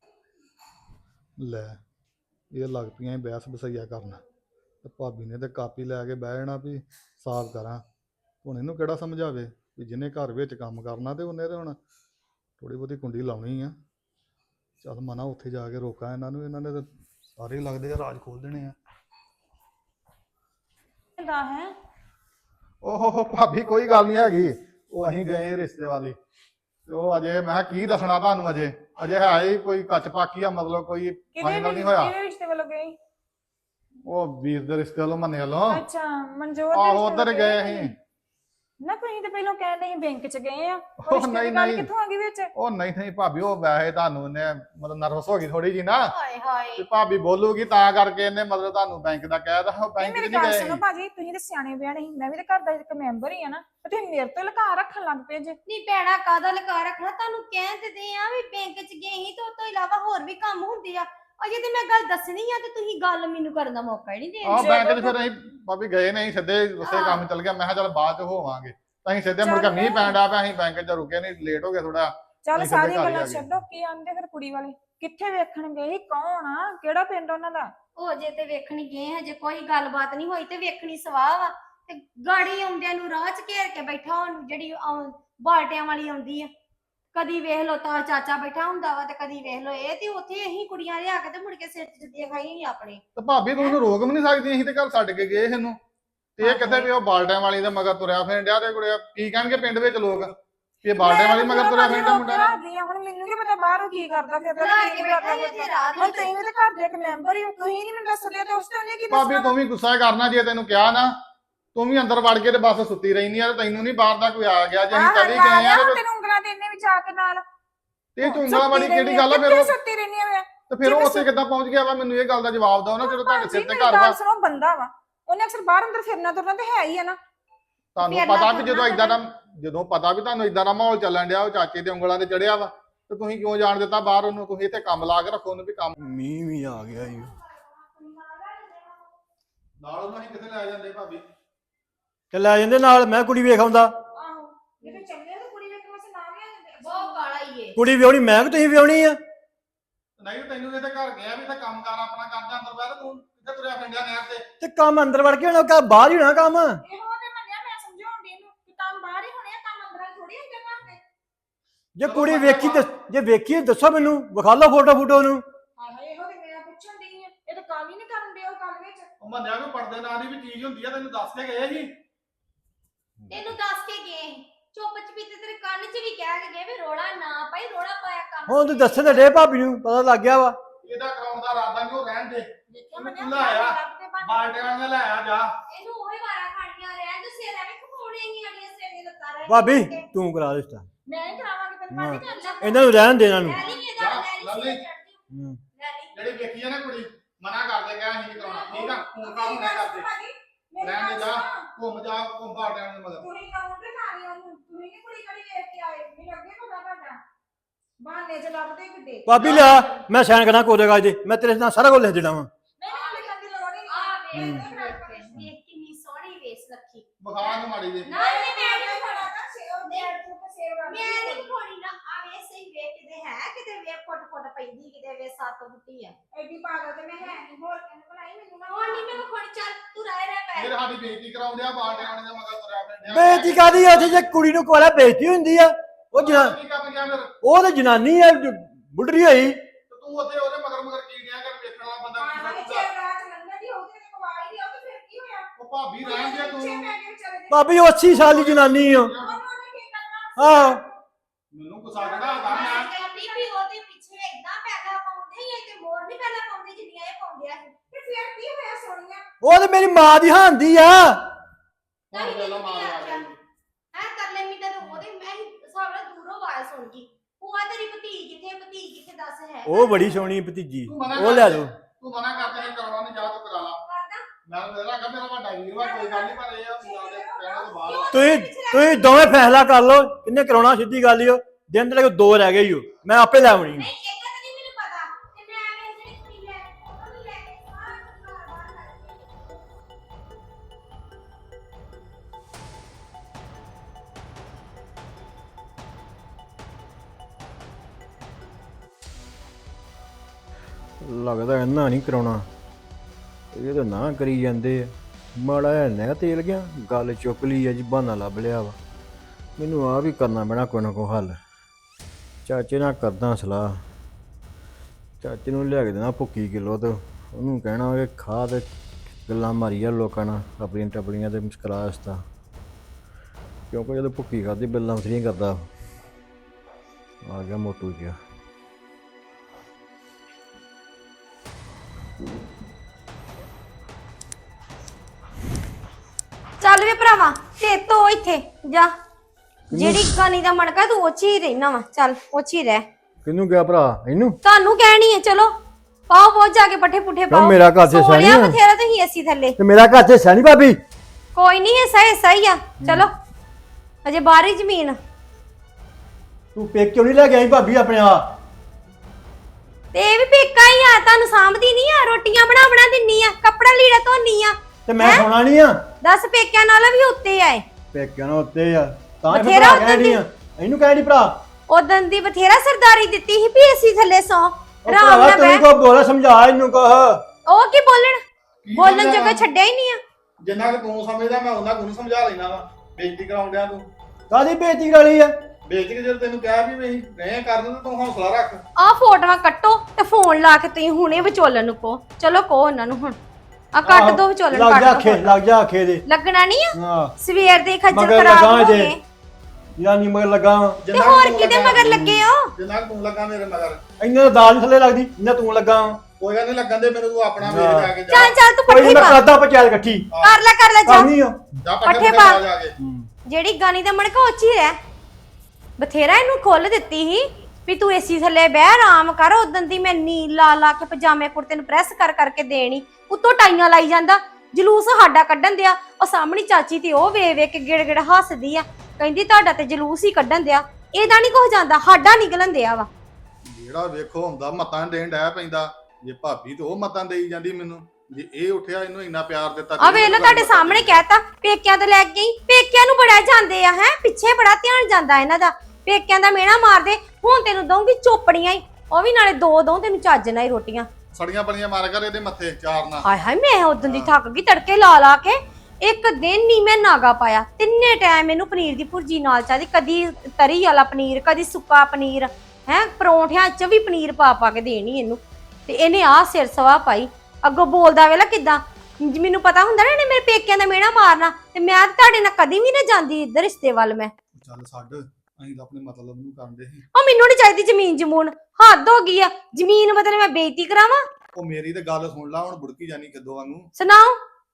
ਲੈ ਇਹ ਲੱਗ ਪਈਆਂ ਬਹਿਸ ਬਸਈਆ ਕਰਨ, ਤੇ ਭਾਬੀ ਨੇ ਤੇ ਕਾਪੀ ਲੈ ਕੇ ਬਹਿ ਜਾਣਾ ਵੀ ਸਾਫ਼ ਕਰਾਂ। ਹੁਣ ਇਹਨੂੰ ਕਿਹੜਾ ਸਮਝਾਵੇ ਵੀ ਜਿਹਨੇ ਘਰ ਵਿੱਚ ਕੰਮ ਕਰਨਾ ਤੇ ਉਹਨੇ ਤੇ ਹੁਣ ਥੋੜੀ ਬਹੁਤੀ ਕੁੰਡੀ ਲਾਉਣੀ ਆ। ਚੱਲ ਮਨਾ ਉੱਥੇ ਜਾ ਕੇ ਰੋਕਾਂ ਇਹਨਾਂ ਨੂੰ, ਇਹਨਾਂ ਨੇ ਤਾਂ ਸਾਰੇ ਲੱਗਦੇ ਆ ਰਾਜ ਖੋਲ ਦੇਣੇ ਆ।
ਦਾ ਹੈ
ਓਹ ਹੋ ਭਾਬੀ ਕੋਈ ਗੱਲ ਨਹੀਂ ਹੈਗੀ, ਉਹ ਅਸੀਂ ਗਏ ਰਿਸ਼ਤੇ ਵਾਲੀ ਤੇ ਉਹ ਅਜੇ ਮੈਂ ਕਿਹਾ ਕੀ ਦੱਸਣਾ ਤੁਹਾਨੂੰ, ਅਜੇ ਅਜੇ ਹੈ ਹੀ ਕੋਈ ਕੱਚ ਪਾਕੀ ਆ, ਮਤਲਬ ਕੋਈ ਫਾਈਨਲ ਨਹੀਂ ਹੋਇਆ।
ਕਿਹਦੇ ਰਿਸ਼ਤੇ ਵੱਲੋਂ ਗਈ?
ਉਹ ਵੀਰ ਦੇ ਰਿਸ਼ਤੇ ਵੱਲੋਂ ਮੰਨੇ ਵੱਲੋਂ।
ਅੱਛਾ ਮਨਜੋਤ ਦੇ
ਆਹੋ
ਰਿਸ਼ਤੇ
ਉਧਰ
ਵੱਲੋਂ
ਗਏ ਅਸੀਂ।
ਨਾ ਤੁਸੀਂ ਤੇ ਪਹਿਲਾਂ ਕਹਿਣ ਡਏ ਸੀ ਬੈਂਕ 'ਚ ਗਏ ਆ, ਉਹ
ਉਹ
ਰਿਸ਼ਤੇ
ਨਹੀਂ
ਦੀ ਗੱਲ
ਨਹੀਂ
ਕਿੱਥੋਂ ਆ ਗਈ ਵਿੱਚ?
ਉਹ ਨਹੀਂ ਨਹੀਂ ਭਾਬੀ, ਉਹ ਵੈਸੇ ਤੁਹਾਨੂੰ ਉਹਨੇ ਮਤਲਬ ਨਰਵਸ ਹੋ ਗਈ ਥੋੜੀ ਜੀ ਨਾ,
ਹਾਏ ਹਾਏ
ਤੇ ਭਾਬੀ ਬੋਲੂਗੀ ਤਾਂ ਕਰਕੇ ਇਹਨੇ ਮਤਲਬ ਤੁਹਾਨੂੰ ਬੈਂਕ ਦਾ ਕਹਿ ਤਾ।
ਇਹ
ਬੈਂਕ 'ਚ
ਮੇਰੀ
ਨਹੀਂ
ਗੱਲ
ਗਏ
ਸੁਣੋ ਭਾਜੀ, ਤੁਸੀਂ ਤੇ ਸਿਆਣੇ ਬਿਆਣੇ ਸੀ, ਮੈਂ ਵੀ ਤੇ ਘਰ ਦਾ ਇੱਕ ਮੈਂਬਰ ਹੀ ਆ ਨਾ। ਤੇ ਮੇਰੇ ਤੋਂ ਲੁਕਾ ਰੱਖਣ ਲੱਗ ਪਏ ਜੇ।
ਨਹੀਂ ਭੈਣਾ ਕਾਹਦਾ ਲਗਾ ਰੱਖਣਾ, ਤੁਹਾਨੂੰ ਕਹਿ ਤੇ ਦੇ ਆ ਵੀ ਬੈਂਕ ਚ ਗਏ ਸੀ ਤੇ ਉਸ ਤੋਂ ਇਲਾਵਾ ਹੋਰ ਵੀ ਕੰਮ ਹੁੰਦੇ ਆ। ਅਜੇ ਤੇ ਮੈਂ ਗੱਲ ਦੱਸਣੀ ਆ ਤੇ ਤੁਸੀਂ ਗੱਲ ਮੈਨੂੰ ਕਰਨ ਦਾ ਮੌਕਾ ਹੀ ਨਹੀਂ
ਆਹ
ਦੇਂਦੇ।
ਬੈਂਕ 'ਚ ਫਿਰ ਅਸੀਂ ਭਾਬੀ ਗਏ ਨਹੀਂ, ਸਿੱਧੇ ਉਸੇ ਕੰਮ ਚੱਲ ਗਿਆ। ਮੈਂ ਕਿਹਾ ਚੱਲ ਬਾਅਦ 'ਚ ਹੋਵਾਂਗੇ, ਤਾਂ ਅਸੀਂ ਸਿੱਧੇ ਮੁੜ ਕੇ
ਚੱਲ।
ਮੀਂਹ ਪੈਣ ਡਿਆ ਪਿਆ, ਅਸੀਂ ਬੈਂਕ 'ਚ ਰੁਕੇ ਨਹੀਂ, ਲੇਟ ਹੋ ਗਿਆ ਥੋੜਾ।
ਚੱਲ
ਅਸੀਂ ਸਿੱਧੇ
ਸਾਰੀਆਂ
ਘਰ ਹੀ ਆ
ਗੱਲਾਂ
ਗਏ।
ਛੱਡੋ, ਕੀ ਆਂਦੇ ਫਿਰ ਕੁੜੀ ਵਾਲੇ ਕਿੱਥੇ ਵੇਖਣ ਗਏ ਸੀ, ਕੌਣ ਆ, ਕਿਹੜਾ ਪਿੰਡ ਉਹਨਾਂ ਦਾ?
ਉਹ ਜੇ ਤੇ ਵੇਖਣੀ ਗਏ ਹਜੇ ਕੋਈ ਗੱਲਬਾਤ ਨਹੀਂ ਹੋਈ ਤੇ ਵੇਖਣੀ ਸਵਾਹ ਵਾ। ਤੇ ਗਾੜੀ ਆਉਂਦਿਆਂ ਨੂੰ ਰਾਹ ਚ ਘੇਰ ਕੇ ਬੈਠਾ ਉਹਨੂੰ ਜਿਹੜੀ ਆਉਂ- ਬਾਲਟਿਆਂ ਵਾਲੀ ਆਉਂਦੀ ਆ, ਕਦੀ ਵੇਖ ਲੋ ਤਾਂ ਚਾਚਾ ਬੈਠਾ ਹੁੰਦਾ ਵਾ ਤੇ ਕਦੀ ਵੇਖ ਲੋ ਇਹ, ਤੇ ਉੱਥੇ ਅਸੀਂ ਕੁੜੀਆਂ ਲਿਆ ਕੇ ਤੇ ਮੁੜ ਕੇ ਸਿਰ ਚ ਜੁੱਤੀਆਂ ਖਾਈਆਂ ਸੀ ਆਪਣੇ।
ਤੇ ਭਾਬੀ ਤੂੰ ਉਹਨੂੰ ਰੋਕ ਵੀ ਨਹੀਂ ਸਕਦੀ, ਅਸੀਂ ਤੇ ਘਰ ਛੱਡ ਕੇ ਗਏ ਇਹਨੂੰ। ਤੇ ਇਹ ਕਿੱਥੇ ਵੀ ਉਹ ਬਾਲਟਿਆਂ ਵਾਲੀ ਦੇ ਮਗਰ ਤੁਰਿਆ ਫਿਰਨ ਡਿਆ, ਤੇ ਕੁੜਿਆ ਕੀ ਕਹਿਣਗੇ ਪਿੰਡ ਵਿੱਚ ਲੋਕ ਕਿ ਇਹ ਬਾਲਟਿਆਂ ਵਾਲੀ ਮਗਰ ਤੁਰਿਆ ਫਿਰਦਾ ਮੁੰਡਾ।
ਰੱਖਦੀ ਆ ਹੁਣ, ਮੈਨੂੰ ਕੀ ਪਤਾ ਬਾਹਰੋਂ ਕੀ ਕਰਦਾ ਫਿਰਦਾ
ਲਾ
ਤੇ
ਕੇ
ਕੀ
ਬੈਠਾ
ਕਰਦਾ
ਹੀ ਆ ਤੇ
ਫਿਰਦਾ।
ਰਾਤ
ਹੁਣ
ਨੂੰ
ਤੁਸੀਂ ਵੀ ਤੇ ਘਰ ਦੇ ਇੱਕ ਮੈਂਬਰ ਹੀ ਹੋ, ਤੁਸੀਂ ਨਹੀਂ ਮੈਨੂੰ ਦੱਸਦੇ ਤੇ ਉਸ ਤੇ ਉਹਨੇ ਕੀ
ਭਾਬੀ
ਦੱਸਣਾ?
ਤੂੰ ਵੀ ਗੁੱਸਾ ਕਰਨਾ, ਜੇ ਤੈਨੂੰ ਕਿਹਾ ਨਾ ਤੂੰ ਵੀ ਅੰਦਰ ਵੜ ਕੇ ਤੇ ਬਸ ਸੁੱਤੀ ਰਹਿਨੀ ਆ, ਤੇ ਤੈਨੂੰ ਨਹੀਂ ਬਾਹਰ ਦਾ ਕੋਈ ਆ ਗਿਆ। ਜੇ ਅਸੀਂ
ਆਹ
ਕਦੀ
ਲਾ
ਗਏ
ਲਿਆ
ਆ
ਹੁਣ
ਤੇ
ਤੈਨੂੰ ਉਂਗਲਾਂ ਤੇ ਇੰਨੇ ਵੀ ਜਾ ਕੇ ਨਾਲ
ਇਹ ਝੁੰਗਲਾਂ ਵਾਲੀ ਕਿਹੜੀ ਗੱਲ ਆ? ਫਿਰ
ਕਿੱਥੇ
ਉਹ
ਸੁੱਤੀ ਰਹਿੰਦੀ ਆ ਮੈਂ?
ਤੇ ਫਿਰ ਉਹ ਉੱਥੇ ਕਿੱਦਾਂ ਪਹੁੰਚ ਗਿਆ ਵਾ? ਮੈਨੂੰ ਇਹ ਗੱਲ ਦਾ ਜਵਾਬ ਦਿਓ ਨਾ, ਜਦੋਂ ਤੁਹਾਡੇ ਸਿਰ ਤੇ
ਮੇਰੀ
ਘਰ
ਗੱਲ
ਵਾ।
ਸੁਣੋ, ਬੰਦਾ ਵਾ, ਉਹਨੇ ਅਕਸਰ ਬਾਹਰ ਅੰਦਰ ਫਿਰਨਾ ਤੁਰਨਾ ਤੇ ਹੈ ਹੀ ਆ ਨਾ।
ਤੁਹਾਨੂੰ
ਫਿਰਨਾ
ਪਤਾ ਵੀ
ਤੁਰਨਾ
ਜਦੋਂ ਇਦਾਂ ਦਾ ਜਦੋਂ ਪਤਾ ਵੀ ਤੁਹਾਨੂੰ ਇਦਾਂ ਦਾ ਮਾਹੌਲ ਚੱਲਣ ਡਿਆ, ਉਹ ਚਾਚੇ ਦੇ ਉਂਗਲਾਂ ਤੇ ਚੜਿਆ ਵਾ, ਤੇ ਤੁਸੀਂ ਕਿਉਂ ਜਾਣ ਦਿੱਤਾ ਬਾਹਰ ਉਹਨੂੰ? ਤੁਸੀਂ ਇੱਥੇ ਕੰਮ ਲਾ ਕੇ ਰੱਖੋ ਉਹਨੂੰ ਵੀ ਕੰਮ।
ਮੀਂਹ ਵੀ ਆ ਗਿਆ ਈ।
ਨਾਲ ਉਹਨੂੰ ਅਸੀਂ ਕਿੱਥੇ ਲੈ ਜਾਂਦੇ ਭਾਬੀ?
ਤੇ ਲੈ ਜਾਂਦੇ ਨਾਲ, ਮੈਂ ਕੁੜੀ ਵੇਖ ਆਉਂਦਾ।
ਆਹੋ ਜੇ ਤੇ ਚੱਲੇ ਤਾਂ ਕੁੜੀ ਵੇਖਣ ਵਾਸਤੇ ਨਾ ਵੀ ਆ ਜਾਂਦੇ।
ਬਹੁਤ ਕਾਲਾ ਹੀ ਏ।
ਕੁੜੀ ਵਿਆਹਣੀ ਮੈਂ ਕਿ ਤੁਸੀਂ ਵਿਆਹਣੀ ਆ?
ਨਹੀਂ ਤੈਨੂੰ ਇੱਥੇ ਘਰ ਗਿਆ ਵੀ ਤਾਂ ਕੰਮ ਕਾਰ ਆਪਣਾ ਕਰਦਾ ਅੰਦਰ ਬਹਿ, ਤੇ ਤੂੰ ਇੱਥੇ ਤੁਰਿਆ ਫਿਰਦਾ ਨਹਿਰ ਤੇ।
ਤੇ ਕੰਮ ਅੰਦਰ ਵੜ ਕੇ ਹੋਣਾ, ਕਾ ਬਾਹਰ ਹੀ ਹੋਣਾ ਕੰਮ?
ਇਹੋ ਤੇ ਮੰਨਿਆ, ਮੈਂ ਸਮਝਾਉਂਦੀ ਇਹਨੂੰ ਕਿ ਕੰਮ ਬਾਹਰ ਹੀ ਹੋਣੇ ਆ, ਕੰਮ ਅੰਦਰ ਥੋੜੀ ਹੁੰਦੇ ਘਰ ਦੇ।
ਜੇ ਕੁੜੀ ਵੇਖੀ ਤੇ ਜੇ ਵੇਖੀ ਦੱਸੋ ਮੈਨੂੰ, ਵਿਖਾ ਲਓ ਫੋਟੋ ਫੋਟੋ ਨੂੰ।
ਆਹੋ ਇਹੋ ਤੇ ਮੈਂ ਪੁੱਛਣ ਡਈ ਆ, ਇਹ ਤਾਂ ਕੰਮ ਹੀ ਨਹੀਂ ਕਰਨ ਦੇ ਉਹ ਕੰਮ ਵਿੱਚ।
ਉਹ ਮੰਨਿਆ ਵੀ ਪਰਦੇ ਨਾਂ ਦੀ ਵੀ ਚੀਜ਼ ਹੁੰਦੀ ਆ, ਤੈਨੂੰ ਦੱਸ ਕੇ ਗਏ ਸੀ।
ਤੈਨੂੰ ਦੱਸ ਕੇ ਗਏ ਚੁੱਪ ਚਪੀਤੇ ਤੇਰੇ ਕੰਨ 'ਚ ਵੀ ਕਹਿ ਕੇ ਗਏ ਵੀ ਰੋਲਾ ਨਾ ਪਾਈ, ਰੋਲਾ ਪਾਇਆ ਕੰਮ।
ਹੁਣ ਤੂੰ ਦੱਸਣ ਤੇ ਡੇ ਭਾਬੀ ਨੂੰ ਪਤਾ ਲੱਗ ਗਿਆ ਵਾ।
ਇਹਦਾ ਕਰਾਉਣ ਦਾ ਇਰਾਦਾ ਨਹੀਂ, ਉਹ ਰਹਿਣ ਦੇ।
ਦੇਖਿਆ
ਉਹਨੂੰ
ਮੰਨਿਆ,
ਖੁੱਲਾ ਆਇਆ।
ਰੱਬ ਦੇ ਬਹਾਨੇ।
ਬਾਲਟਿਆਂ ਨਾਲ ਲੈ ਆ ਜਾ।
ਇਹਨੂੰ ਉਹੀ ਵਾਰਾ ਖਾਣੀਆਂ ਰਹਿਣ ਤੇ ਸਿਰ ਐਵੇਂ ਖਪਾਉਣੇ ਹੀ ਅੜੀਆਂ ਸਿਰ ਦੀਆਂ ਲੱਤਾਂ ਰਹਿ
ਭਾਬੀ ਤੂੰ ਕਰਾ ਰਿਸ਼ਤਾ,
ਮੈਂ ਹੀ ਕਰਾਵਾਂਗੀ, ਤੈਨੂੰ ਪਤਾ ਨਹੀਂ ਚੱਲਦਾ।
ਇਹਨਾਂ ਨੂੰ ਰਹਿਣ ਦੇ ਇਹਨਾਂ ਨੂੰ।
ਲੈ ਲਈ ਇਹਦਾ,
ਜਾ,
ਲੈ ਲਈ
ਲੈ ਲਈ।
ਸਿਰ ਚੜ੍ਹਦੀ।
ਹੂੰ।
ਲੈ ਲਈ।
ਜਿਹੜੀ ਵੇਖੀ ਆ ਨਾ ਕੁੜੀ, ਮਨਾ ਕਰ ਦੇ, ਕਹਿ ਅਸੀਂ ਨਹੀਂ ਕਰਾਉਣਾ, ਠੀਕ ਆ? ਤੂੰ ਕੰਮ ਨਾ ਕਰਦੇ,
ਮੇਰੀ
ਰਹਿਣ ਦੇ
ਗੱਲ
ਜਾ।
ਸੁਣੋ।
ਘੁੰਮ ਜਾ, ਘੁੰਮ ਬਾਲਟਿਆਂ ਦੇ ਮਗਰ।
ਤੁਸੀਂ ਕਹੋਗੇ ਖਾਣੀ ਉਹਨੂੰ, ਤੁਸੀਂ ਨੀ ਕੁੜੀ ਕੜੀ ਵੇਖ ਕੇ ਆਏ, ਮੈਨੂੰ ਅੱਗੇ ਪਤਾ ਤੁਹਾਡਾ ਬਹਾਨੇ ਚ ਲੱਭਦੇ ਕਿਤੇ।
ਭਾਬੀ ਲਿਆ, ਮੈਂ ਸਾਈਨ ਕਰਾਂ ਕੋਰੇ ਕਾਗਜ਼ ਦੇ, ਮੈਂ ਤੇਰੇ ਨਾਲ ਸਾਰਾ ਕੁਝ ਲਿਖ ਦੇਣਾ ਵਾ।
ਨਹੀਂ ਮੈਨੂੰ ਲਿਖਣ ਦੀ ਲੋੜ ਹੀ ਨਹੀਂ।
ਆ
ਹੂੰ।
ਵੇਖ ਵੇਖ ਵੇਖ ਕਿੰਨੀ ਸੋਹਣੀ ਵੇਸ ਰੱਖੀ।
ਵਿਖਾ ਨੂੰ ਮਾੜੀ ਦੇ।
ਨਾ ਨਹੀਂ ਮੈਂ ਨਹੀਂ
ਖੜਾ ਕਰ ਸੇਵ ਦੇ ਅੜ ਤੋਂ ਸੇਵ ਕਰ।
ਮੈਂ ਨਹੀਂ ਖੋਣੀ ਨਾ, ਆ ਵੇ ਸਹੀ ਵੇਖ ਕਿਤੇ ਹੈ, ਕਿਤੇ ਵੇ ਫੁੱਟ ਫੁੱਟ ਪੈਂਦੀ, ਕਿਤੇ ਵੇ ਸੱਤ ਬੁੱਟੀ ਆ।
ਐਡੀ ਪਾਗਲ ਤੇ ਮੈਂ ਹੈ ਨਹੀਂ, ਹੋਰ ਕਿਹਨੇ ਬਣਾਈ ਮੈਨੂੰ ਨਾ।
ਹੁਣ ਨਹੀਂ ਮੈਂ ਖੋਣੀ, ਚੱਲ ਤੂੰ ਰਹਿ ਰਹਿ ਪੈ।
ਫਿਰ ਸਾਡੀ ਬੇਇੱਜ਼ਤੀ ਕਰਾਉਂਦੇ ਆ, ਬਾਲਟਿਆਂ ਦੇ ਮਗਰ ਤੁਰਿਆ ਫਿਰਦੇ ਆ।
ਬੇਇੱਜ਼ਤੀ ਕਾਦੀ ਆ ਉੱਥੇ? ਜੇ ਕੁੜੀ ਨੂੰ ਕੋਲਾ ਬੇਇੱਜ਼ਤੀ ਹੁੰਦੀ ਆ, ਉਹ ਜਨਾ
ਕੀ ਕੰਮ ਗਿਆ ਫਿਰ?
ਉਹ ਤੇ ਜਨਾਨੀ ਆ, ਜੋ ਬੁੱਢੀ ਹੋਈ।
ਤੇ ਤੂੰ ਉੱਥੇ ਉਹਦੇ ਮਗਰ ਮਗਰ ਕੀ ਗਿਆ ਕਰ? ਵੇਖਣ ਵਾਲਾ ਬੰਦਾ ਕੀ
ਹਾਂ ਜੇ
ਸੋਚੂਗਾ?
ਰਾਤ ਲੰਘਣ ਦੀ ਹੋਊਗੀ ਤੇ ਕੁਵਾਰੀ ਦੀ ਹੋਊਗੀ ਫਿਰ ਕੀ ਹੋਇਆ?
ਉਹ ਭਾਬੀ ਰਹਿਣ ਦੇ
ਪਿੱਛੇ
ਤੂੰ।
ਪੈ ਕੇ ਵਿਚਾਰੇ ਦੇ।
ਭਾਬੀ ਉਹ ਅੱਸੀ ਸਾਲ ਦੀ ਜਨਾਨੀ ਆ।
ਉਹਨੂੰ ਉਹਨੇ ਕੀ ਕਰਨਾ?
ਆਹੋ
ਮੈਨੂੰ ਗੁੱਸਾ ਚੜਾ ਆਦਾ ਮੈਂ।
ਮੈਂ ਕਹਿੰਦੀ ਵੀ ਉਹਦੇ ਪਿੱਛੇ ਏਦਾਂ ਪੈਗਾ ਪਾਉਂਦੇ ਹੀ ਤੇ ਮੋਰ ਨਹੀਂ ਪਹਿਲਾਂ ਪਾਉਂਦੇ ਜਿੰਨੀਆਂ ਇਹ ਪਾਉਂਦੇ ਆ।
ਤੇ ਫਿਰ ਕੀ ਹੋਇਆ ਸੋਨੀਆ?
ਉਹ ਤੇ ਮੇਰੀ ਮਾਂ ਦੀ ਹਾਂਦੀ ਆ।
ਹੁਣ ਦੇ ਲੋ ਮਾਰ ਆ ਗਈ।
ਹੈ ਤਰਲੇ ਮੀ ਤੇ ਉਹਦੇ ਮੈਂ ਹਿਸਾਬ ਨਾਲ ਦੂਰੋਂ ਆਵਾਜ਼ ਸੁਣ ਗਈ। ਭੂਆ ਤੇਰੀ ਭਤੀਜ ਕਿੱਥੇ, ਭਤੀਜ ਕਿੱਥੇ ਦੱਸ ਹੈ?
ਉਹ ਬੜੀ ਸੋਹਣੀ ਭਤੀਜੀ,
ਤੂੰ ਮਨਾ
ਉਹ ਲੈ
ਕਰ।
ਲਓ।
ਤੂੰ ਮਨਾ ਕਰਦਾ ਹੈ, ਕਰਾਉਣਾ ਨਹੀਂ, ਜਾ ਤੂੰ ਕਰਾ ਲਾ।
ਕਰਦਾ
ਮੈਂ ਮੇਰਾ ਕਰ ਮੇਰਾ ਵੱਡਾ ਵੀਰ ਵਾ, ਕੋਈ ਗੱਲ ਨਹੀਂ, ਪਰ ਇਹ ਆ ਵੀ ਜਾ ਦੇ ਕਹਿਣਾ ਤੋਂ ਬਾਹਰ ਆ।
ਤੁਸੀਂ ਤੁਸੀਂ ਦੋਵੇਂ ਫੈਸਲਾ ਕਰ ਲਓ ਕਿੰਨੇ ਕਰਾਉਣਾ, ਸਿੱਧੀ ਗੱਲ ਹੀ ਉਹ। ਦਿਨ ਤੇ ਦੋ ਰਹਿ ਗਏ ਹੀ, ਮੈਂ ਆਪੇ ਲੈ ਆਉਣੀ।
ਨਹੀਂ ਇੱਕ ਤਾਂ ਨਹੀਂ ਮੈਨੂੰ ਪਤਾ ਤੇ ਮੈਂ ਐਵੇਂ ਜਿਹੜੀ ਕੁੜੀ ਲੈ ਉਹ ਵੀ ਲੈ ਕੇ ਸਾਰਾ ਘਰ ਬਾਹਰ ਲੱਗ
ਲੱਗਦਾ ਇਹਨਾਂ ਨਹੀਂ ਕਰਾਉਣਾ, ਇਹ ਤਾਂ ਨਾ ਕਰੀ ਜਾਂਦੇ ਆ। ਮਾੜਾ ਜਿਹਾ ਨਾ ਤੇਲ ਗਿਆ, ਗੱਲ ਚੁੱਕ ਲਈ ਆ ਜੀ, ਬਹਾਨਾ ਲੱਭ ਲਿਆ ਵਾ। ਮੈਨੂੰ ਆ ਵੀ ਕਰਨਾ ਪੈਣਾ ਕੋਈ ਨਾ ਕੋਈ ਹੱਲ। ਚਾਚੇ ਨਾਲ ਕਰਦਾ ਸਲਾਹ, ਚਾਚੇ ਨੂੰ ਲਿਆ ਕੇ ਦੇਣਾ ਭੁੱਕੀ ਕਿਲੋ, ਤੇ ਉਹਨੂੰ ਕਹਿਣਾ ਕਿ ਖਾ ਤੇ ਗੱਲਾਂ ਮਾਰੀ ਆ ਲੋਕਾਂ ਨਾਲ ਆਪਣੀਆਂ ਟੱਬੜੀਆਂ ਤੇ ਮੁਸ਼ਕਲਾਂ ਰਸਤਾ, ਕਿਉਂਕਿ ਜਦੋਂ ਭੁੱਕੀ ਖਾਦੀ ਬਿੱਲਾਂ ਫਰੀਆਂ ਕਰਦਾ। ਆ ਗਿਆ ਮੋਟੂ ਜਿਹਾ।
ਚੱਲ ਵੇ ਭਰਾਵਾ ਤੇ ਤੋ ਇੱਥੇ ਜਾ, ਜਿਹੜੀ ਗਾਨੀ ਦਾ ਮਣਕਾ ਤੂੰ ਉੱਚੀ ਹੀ ਰਹਿਣਾ ਵਾ। ਚੱਲ ਉੱਚੀ ਰਹਿ।
ਕਿਹਨੂੰ ਗਿਆ ਭਰਾ? ਇਹਨੂੰ
ਤੁਹਾਨੂੰ ਕਹਿਣੀ ਹੈ, ਚਲੋ ਪਾਓ ਬਹੁਤ ਜਾ ਕੇ ਪੱਠੇ ਪੁੱਠੇ ਪਾਓ।
ਮੇਰਾ ਘਰ ਤੇ
ਸੋਹਣਿਆ
ਸਾਨੀ ਆ।
ਬਥੇਰਾ ਤੁਸੀਂ ਅਸੀਂ ਥੱਲੇ।
ਤੇ ਮੇਰਾ ਘਰ ਤੇ ਸੈਣੀ ਭਾਬੀ।
ਕੋਈ ਨਹੀਂ ਹੈ, ਸਹੀ ਸਹੀ ਆ। ਚਲੋ ਅਜੇ ਬਾਹਰ ਹੀ ਜ਼ਮੀਨ।
ਤੂੰ ਪੇਕ ਕਿਉਂ ਨਹੀਂ ਲੈ ਕੇ ਆਈ ਭਾਬੀ ਆਪਣੇ ਆ?
ਤੇ ਇਹ ਵੀ ਪੇਕਾ ਹੀ ਆ, ਤੁਹਾਨੂੰ ਸਾਂਭਦੀ ਨਹੀਂ ਆ, ਰੋਟੀਆਂ ਬਣਾ ਬਣਾ ਦਿੰਨੀ ਆ, ਕੱਪੜਾ ਲੀੜਾ ਧੋਨੀ ਆ।
ਤੇ ਮੈਂ ਸੋਣਾ ਨਹੀਂ ਆ?
ਦਸ ਪੇਕਿਆਂ ਨਾਲ ਵੀ ਉੱਤੇ ਆਏ।
ਪੇਕਿਆਂ ਨਾਲ ਉੱਤੇ ਆ ਤਾਂ ਹੀ
ਬਥੇਰਾ
ਫਿਰ ਕਹਿਣੀ ਆ। ਇਹਨੂੰ ਕਹਿਣੀ ਭਰਾ
ਉਦੋਂ ਦੀ ਬਥੇਰਾ ਸਰਦਾਰੀ ਦਿੱਤੀ ਸੀ ਵੀ ਏਸੀ ਥੱਲੇ ਸੌ
ਉਹ
ਆਰਾਮ
ਭਰਾਵਾ
ਨਾਲ
ਤੂੰ
ਬਹਿ।
ਕੋ ਬੋਲਾ ਸਮਝਾ ਇਹਨੂੰ ਕਹ।
ਉਹ ਕੀ ਬੋਲਣ ਬੋਲਣ ਜੋਗਾ ਛੱਡਿਆ ਹੀ ਨਹੀਂ ਆ।
ਜਿੰਨਾ ਕਿ ਤੂੰ ਸਮਝਦਾ ਮੈਂ ਉਹਨਾਂ ਨੂੰ ਸਮਝਾ ਲੈਣਾ ਵਾ। ਬੇਇੱਜ਼ਤੀ ਕਰਾਉਣ ਡਿਆ ਤੂੰ।
ਕਾਦੀ ਬੇਇੱਜ਼ਤੀ ਕਰਾਲੀ ਆ?
ਬੇਇੱਜ਼ਤੀ ਜਦੋਂ ਤੈਨੂੰ ਕਿਹਾ ਵੀ ਨਹੀਂ ਨਹੀਂ ਕਰਨ ਤੇ ਤੂੰ ਹੌਸਲਾ ਰੱਖ।
ਆਹ ਫੋਟੋਆਂ ਕੱਟੋ ਤੇ ਫੋਨ ਲਾ ਕੇ ਤੁਸੀਂ ਹੁਣੇ ਵਿਚੋਲਣ ਨੂੰ ਕਹੋ। ਚਲੋ ਕਹੋ ਉਹਨਾਂ ਨੂੰ ਹੁਣ ਆ ਕੱਟ ਦੋ ਵਿਚੋਲਣ
ਲੱਗ
ਕੱਟ
ਜਾ
ਦੋ
ਅੱਖੇ
photo।
ਲੱਗ ਜਾ ਅੱਖੇ ਦੇ।
ਲੱਗਣਾ ਨਹੀਂ ਆ
ਹਾਂ
ਸਵੇਰ ਦੇ ਖੱਜਲ
ਮਗਰ
ਖਰਾਬ
ਲੱਗਾ
ਹੋ
ਜੇ।
ਗਏ
ਜਾਂ ਨਹੀਂ ਮਗਰ ਲੱਗਾ ਵਾਂ।
ਤੇ ਹੋਰ ਕਿਹਦੇ ਮਗਰ ਲੱਗੇ ਹੋ?
ਜਿੰਨਾ ਕਿ ਤੂੰ ਲੱਗਾ ਮੇਰੇ ਮਗਰ।
ਇੰਨਾ ਤਾਂ ਦਾਲ ਨੀ ਥੱਲੇ ਲੱਗਦੀ ਇੰਨਾ ਤੂੰ ਲੱਗਾ ਵਾਂ।
ਕੋਈ ਗੱਲ ਨਹੀਂ ਲੱਗਣ ਦੇ ਮੈਨੂੰ, ਤੂੰ ਆਪਣਾ ਵੇਖ ਜਾ ਕੇ ਜਾ।
ਚੱਲ ਚੱਲ ਤੂੰ
ਕੋਈ
ਪੱਠੇ
ਨੀ, ਮੈਂ
ਪਾ
ਕਰਦਾ ਪੰਚਾਇਤ ਇਕੱਠੀ
ਕਰ ਲੈ ਕਰ ਲੈ ਜਾ
ਕਰਨੀ ਆ।
ਜਾ
ਪੱਠੇ
ਪੱਠੇ
ਪਾ।
ਪਾ ਜਾ ਕੇ।
ਜਿਹੜੀ ਗਾਨੀ ਦਾ ਮਣਕਾ ਉੱਚੀ ਰਹਿ। ਬਥੇਰਾ ਇਹਨੂੰ ਖੁੱਲ ਦਿੱਤੀ ਸੀ ਵੀ ਤੂੰ ਏਸੀ ਥੱਲੇ ਬਹਿ ਆਰਾਮ ਕਰ। ਉਦੋਂ ਦੀ ਮੈਂ ਨੀ ਲਾ ਲਾ ਕੇ ਪਜਾਮੇ ਕੁੜਤੇ ਨੂੰ ਪ੍ਰੈਸ ਕਰ ਕਰਕੇ ਦੇਣੀ, ਉੱਤੋਂ ਟਾਈਆਂ ਲਾਈ ਜਾਂਦਾ। ਜਲੂਸ ਸਾਡਾ ਕੱਢਣ ਦਿਆ। ਉਹ ਸਾਹਮਣੀ ਚਾਚੀ ਤੇ ਉਹ ਵੇ ਵੇ ਕੇ ਗਿੜ ਗਿੜ ਹੱਸਦੀ ਆ, ਕਹਿੰਦੀ ਤੁਹਾਡਾ ਤੇ ਜਲੂਸ ਹੀ ਕੱਢਣ ਦਿਆ। ਇਹਦਾ ਨਹੀਂ ਕੁਝ ਜਾਂਦਾ, ਸਾਡਾ ਨਿਕਲਣ ਦਿਆ ਵਾ।
ਜਿਹੜਾ ਵੇਖੋ ਹੁੰਦਾ ਮਤਾਂ ਦੇਣ ਡੈ ਪੈਂਦਾ। ਜੇ ਭਾਬੀ ਤੇ ਉਹ ਮਤਾਂ ਦੇਈ ਜਾਂਦੀ ਮੈਨੂੰ, ਜੇ ਇਹ ਉੱਠਿਆ ਇਹਨੂੰ ਇੰਨਾ ਪਿਆਰ ਦਿੱਤਾ।
ਆ ਵੇਖ ਲੋ ਤੁਹਾਡੇ ਸਾਹਮਣੇ ਕਹਿਤਾ ਪੇਕਿਆਂ ਤੋਂ ਲੈ ਕੇ ਗਈ। ਪੇਕਿਆਂ ਨੂੰ ਬੜਾ ਜਾਂਦੇ ਆ ਹੈ, ਪਿੱਛੇ ਬੜਾ ਧਿਆਨ ਜਾਂਦਾ ਇਹਨਾਂ ਦਾ। ਪੇਕਿਆਂ ਦਾ ਮਿਹਣਾ ਮਾਰਦੇ। ਹੁਣ ਤੈਨੂੰ ਦਊਂਗੀ ਚੋਪੜੀਆਂ ਹੀ, ਉਹ ਵੀ ਨਾਲੇ ਦੋ ਦਊਂ ਤੈਨੂੰ ਚੱਜ ਨਾਲ ਹੀ ਰੋਟੀਆਂ।
ਸੜੀਆਂ ਬੜੀਆਂ ਮਾਰ ਕਰ ਇਹਦੇ ਮੱਥੇ ਚਾਰ ਨਾਲ।
ਹਾਏ ਹਾਏ ਮੈਂ ਉਦੋਂ ਦੀ ਥੱਕ ਗਈ ਤੜਕੇ ਲਾ ਲਾ ਕੇ। ਇੱਕ ਦਿਨ ਨਹੀਂ ਮੈਂ ਨਾਗਾ ਪਾਇਆ। ਤਿੰਨੇ ਟਾਈਮ ਮੈਨੂੰ ਪਨੀਰ ਦੀ ਭੁਰਜੀ ਨਾਲ ਚਾਹੀਦੀ, ਕਦੀ ਤਰੀ ਵਾਲਾ ਪਨੀਰ, ਕਦੀ ਸੁੱਕਾ ਪਨੀਰ, ਹੈ ਪਰੌਂਠਿਆਂ 'ਚ ਵੀ ਪਨੀਰ ਪਾ ਪਾ ਕੇ ਦੇਣੀ ਇਹਨੂੰ। ਤੇ ਇਹਨੇ ਆਹ ਸਿਰ ਸਵਾ ਪਾਈ। ਅੱਗੋਂ ਬੋਲਦਾ ਵੇਲਾ ਕਿਦਾਂ, ਮੈਨੂੰ ਪਤਾ ਹੁੰਦਾ ਨਾ ਇਹਨੇ ਮੇਰੇ ਪੇਕਿਆਂ ਦਾ ਮਿਹਣਾ ਮਾਰਨਾ, ਤੇ ਮੈਂ ਤੁਹਾਡੇ ਨਾਲ ਕਦੀ ਵੀ ਨਾ ਜਾਂਦੀ ਇੱਧਰ ਰਿਸ਼ਤੇ ਵੱਲ। ਮੈਂ
ਚੱਲ ਛੱਡ, ਅਸੀਂ ਤਾਂ ਆਪਣੇ ਮਤਲਬ ਨੂੰ ਕਰਦੇ ਸੀ।
ਉਹ ਮੈਨੂੰ ਨਹੀਂ ਚਾਹੀਦੀ ਜ਼ਮੀਨ ਜਮੂਨ, ਹੱਦ ਹੋ ਗਈ ਆ। ਜ਼ਮੀਨ ਬਦਲੇ ਮੈਂ ਬੇਇੱਜ਼ਤੀ ਕਰਾਵਾਂ?
ਉਹ ਮੇਰੀ ਤੇ ਗੱਲ ਸੁਣ ਲਾ, ਹੁਣ ਬੁੜਕੀ ਜਾਨੀ ਕਿਦੋਂ ਵਾਂਗੂ।
ਸੁਣਾਓ।